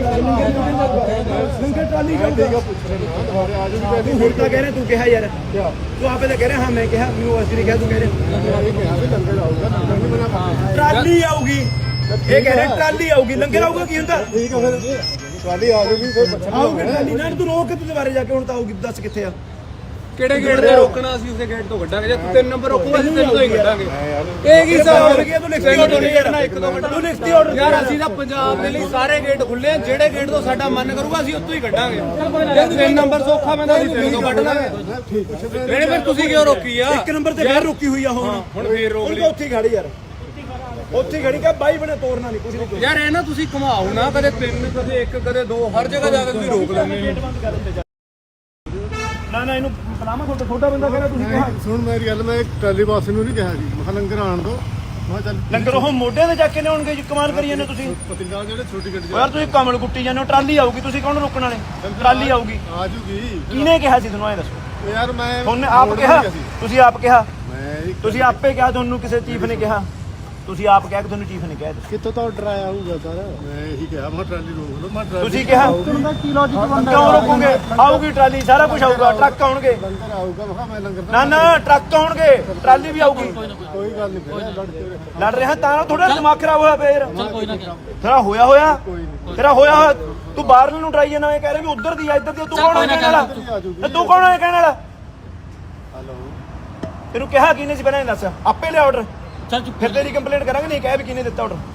Speaker 1: ਲੰਗਰ ਟਰਾਲੀ ਜਾਊਗਾ
Speaker 2: ਦੁਬਾਰੇ ਆ ਜਾਊਗੀ
Speaker 1: ਤੂੰ ਹੁਣ ਤਾਂ ਕਹਿ ਰਿਹਾ ਤੂੰ ਕਿਹਾ ਯਾਰ ਤੂੰ ਆਪੇ ਤਾਂ ਕਹਿ ਰਿਹਾ ਹਾਂ ਮੈਂ ਕਿਹਾ ਮੈਨੂੰ ਐਸਡੀ ਨੇ ਕਿਹਾ ਤੂੰ ਕਹਿ ਰਿਹਾ
Speaker 2: ਇਹ ਕਿਹਾ ਵੀ ਲੰਗਰ ਆਊਗਾ ਲੰਗਰ ਨਹੀਂ ਬਣਾ ਪਾਉਂਦੇ
Speaker 1: ਟਰਾਲੀ ਆਊਗੀ ਇਹ ਕਹਿ ਰਿਹਾ ਟਰਾਲੀ ਆਊਗੀ ਲੰਗਰ ਆਊਗਾ ਕੀ ਹੁੰਦਾ
Speaker 2: ਠੀਕ ਹੈ ਫਿਰ ਟਰਾਲੀ ਆ ਜਾਊਗੀ ਫਿਰ ਪੁੱਛਣਾ
Speaker 1: ਆਊਗੀ ਟਰਾਲੀ ਨਾ ਤੂੰ ਰੋਕ ਕੇ ਤੂੰ ਦੁਬਾਰੇ ਜਾ ਕੇ ਹੁਣ ਤਾਂ ਆਊਗੀ ਦੱਸ ਕਿੱਥੇ ਆ
Speaker 4: ਕਿਹੜੇ ਗੇਟ ਤੇ ਰੋਕਣਾ ਅਸੀਂ ਉਸੇ ਗੇਟ ਤੋਂ ਕੱਢਾਂਗੇ ਜੇ ਤੂੰ 3 ਨੰਬਰ ਰੋਕੂਗਾ ਅਸੀਂ 3 ਤੋਂ ਹੀ ਕੱਢਾਂਗੇ
Speaker 2: ਯਾਰ
Speaker 4: ਇਹ ਕੀ ਹਿਸਾਬ
Speaker 1: ਹੋ ਗਿਆ ਤੂੰ ਲਿਖਤੀ ਆਰਡਰ ਨਹੀਂ ਕਰਨਾ ਇੱਕ ਦੋ ਮਿੰਟ ਤੂੰ ਲਿਖਤੀ ਆਰਡਰ
Speaker 4: ਯਾਰ ਅਸੀਂ ਤਾਂ ਪੰਜਾਬ ਦੇ ਲਈ ਸਾਰੇ ਗੇਟ ਖੁੱਲੇ ਆ ਜਿਹੜੇ ਗੇਟ ਤੋਂ ਸਾਡਾ ਮਨ ਕਰੂਗਾ ਅਸੀਂ ਉੱਥੋਂ ਹੀ ਕੱਢਾਂਗੇ ਜੇ 3 ਨੰਬਰ ਸੌਖਾ ਪੈਂਦਾ ਅਸੀਂ 3 ਤੋਂ ਕੱਢ ਲਾਂਗੇ
Speaker 2: ਠੀਕ ਹੈ
Speaker 4: ਨਹੀਂ ਫਿਰ ਤੁਸੀਂ ਕਿਉਂ ਰੋਕੀ ਆ
Speaker 1: ਇੱਕ ਨੰਬਰ ਤੇ ਫੇਰ ਰੁਕੀ ਹੋਈ ਆ ਹੁਣ
Speaker 4: ਹੁਣ ਫੇਰ ਰੋਕ
Speaker 1: ਹੁਣ
Speaker 4: ਲਈ
Speaker 1: ਤਾਂ ਉੱਥੇ ਹੀ ਖੜੀ ਯਾਰ ਉੱਥੇ ਹੀ ਖੜੀ ਕਾ ਬਾਈ ਬਣੇ ਤੋੜਨਾ ਨਹੀਂ ਕੁਝ ਨਹੀਂ
Speaker 4: ਯਾਰ ਇਹ ਨਾ ਤੁਸੀਂ ਘੁਮਾਓ ਨਾ ਕਦੇ 3 ਕਦੇ 1 ਕਦੇ 2 ਹਰ ਜਗ੍ਹਾ ਜਾ ਕੇ ਤੁਸੀਂ ਰੋਕ ਲੈਂਦੇ ਹੋ
Speaker 1: ਨਾ ਇਹਨੂੰ ਬਲਾਮਾ ਛੋਟਾ ਬੰਦਾ ਕਹਿੰਦਾ ਤੁਸੀਂ ਕਿਹਾ
Speaker 2: ਸੁਣ ਮੇਰੀ ਗੱਲ ਮੈਂ ਟਰਾਲੀ ਬਾਸ ਨੂੰ ਨਹੀਂ ਕਿਹਾ ਜੀ ਮੈਂ ਕਿਹਾ ਲੰਗਰ ਆਣ ਦੋ ਮੈਂ ਕਿਹਾ ਚੱਲ
Speaker 1: ਲੰਗਰ ਉਹ ਮੋਢਿਆਂ ਤੇ ਜਾ ਕੇ ਲਿਆਉਣਗੇ ਜੀ ਕਮਾਲ ਕਰੀ ਜਾਂਦੇ ਤੁਸੀਂ
Speaker 2: ਪਤਿੰਗਾ ਜਿਹੜੇ ਛੋਟੀ ਗੱਡੀ
Speaker 1: ਯਾਰ ਤੁਸੀਂ ਕਮਲ ਕੁੱਟੀ ਜਾਂਦੇ ਹੋ ਟਰਾਲੀ ਆਊਗੀ ਤੁਸੀਂ ਕੌਣ ਰੋਕਣ ਵਾਲੇ ਟਰਾਲੀ ਆਊਗੀ
Speaker 2: ਆ ਜੂਗੀ
Speaker 1: ਕਿਹਨੇ ਕਿਹਾ ਸੀ ਤੁਹਾਨੂੰ ਇਹ ਦੱਸੋ
Speaker 2: ਯਾਰ ਮੈਂ
Speaker 1: ਤੁਹਾਨੂੰ ਆਪ ਕਿਹਾ ਤੁਸੀਂ ਆਪ ਕਿਹਾ
Speaker 2: ਮੈਂ
Speaker 1: ਤੁਸੀਂ ਆਪੇ ਕਿਹਾ ਤੁਹਾਨੂੰ ਕਿਸੇ ਚੀਫ ਨੇ ਕਿਹਾ ਤੁਸੀਂ ਆਪ ਕਹਿ ਕੇ ਤੁਹਾਨੂੰ ਚੀਫ ਨੇ ਕਿਹਾ ਇਹ।
Speaker 2: ਕਿੱਥੋਂ ਤੋਂ ਆਰਡਰ ਆਇਆ ਹੋਊਗਾ ਸਰ ਮੈਂ ਇਹੀ ਕਿਹਾ ਮੈਂ ਟਰਾਲੀ ਰੋਕ ਲਓ ਮੈਂ ਟਰਾਲੀ
Speaker 1: ਤੁਸੀਂ ਕਿਹਾ
Speaker 2: ਕੀ ਲੌਜੀਕ ਬਣਦਾ
Speaker 1: ਕਿਉਂ ਰੋਕੋਗੇ? ਆਊਗੀ ਟਰਾਲੀ, ਸਾਰਾ ਕੁਝ ਆਊਗਾ, ਟਰੱਕ ਆਉਣਗੇ।
Speaker 2: ਲੰਗਰ ਆਊਗਾ ਮੈਂ ਕਿਹਾ ਮੈਂ ਲੰਗਰ
Speaker 1: ਨਾ ਨਾ ਟਰੱਕ ਆਉਣਗੇ, ਟਰਾਲੀ ਵੀ ਆਊਗੀ।
Speaker 2: ਕੋਈ ਗੱਲ ਨਹੀਂ ਫਿਰ ਲੜ ਕੇ
Speaker 1: ਲੜ ਰਿਹਾ ਤਾਂ ਥੋੜਾ ਦਿਮਾਗ ਖਰਾਬ ਹੋਇਆ ਫੇਰ
Speaker 3: ਚੱਲ ਕੋਈ ਨਾ
Speaker 1: ਤੇਰਾ ਹੋਇਆ ਤੇਰਾ ਹੋਇਆ ਤੂੰ ਬਾਹਰਲੇ ਨੂੰ ਟਰਾਈ ਜਾਂਦਾ ਇਹ ਕਹਿ ਰਿਹਾ ਵੀ ਉਧਰ ਦੀ ਆ ਇੱਧਰ ਦੀ ਆ, ਤੂੰ ਕੌਣ ਹੈ ਕਹਿਣ ਵਾਲਾ? ਤੇ ਤੂੰ ਕੌਣ ਹੈ ਕਹਿਣ ਵਾਲਾ?
Speaker 2: ਹਲੋ
Speaker 1: ਤੈਨੂੰ ਕਿਹਾ ਕਿਹਨੇ ਸੀ ਪਹਿਲਾਂ ਇਹ ਦੱਸ, ਆਪੇ ਲਿਆ ਆਰਡਰ,
Speaker 3: ਚੱਲ ਚੁੱਪ
Speaker 1: ਫਿਰ ਤੇਰੀ ਕੰਪਲੇਂਟ ਕਰਾਂਗੇ। ਨਹੀਂ ਕਹਿ ਵੀ ਕਿਹਨੇ ਦਿੱਤਾ ਆਰਡਰ?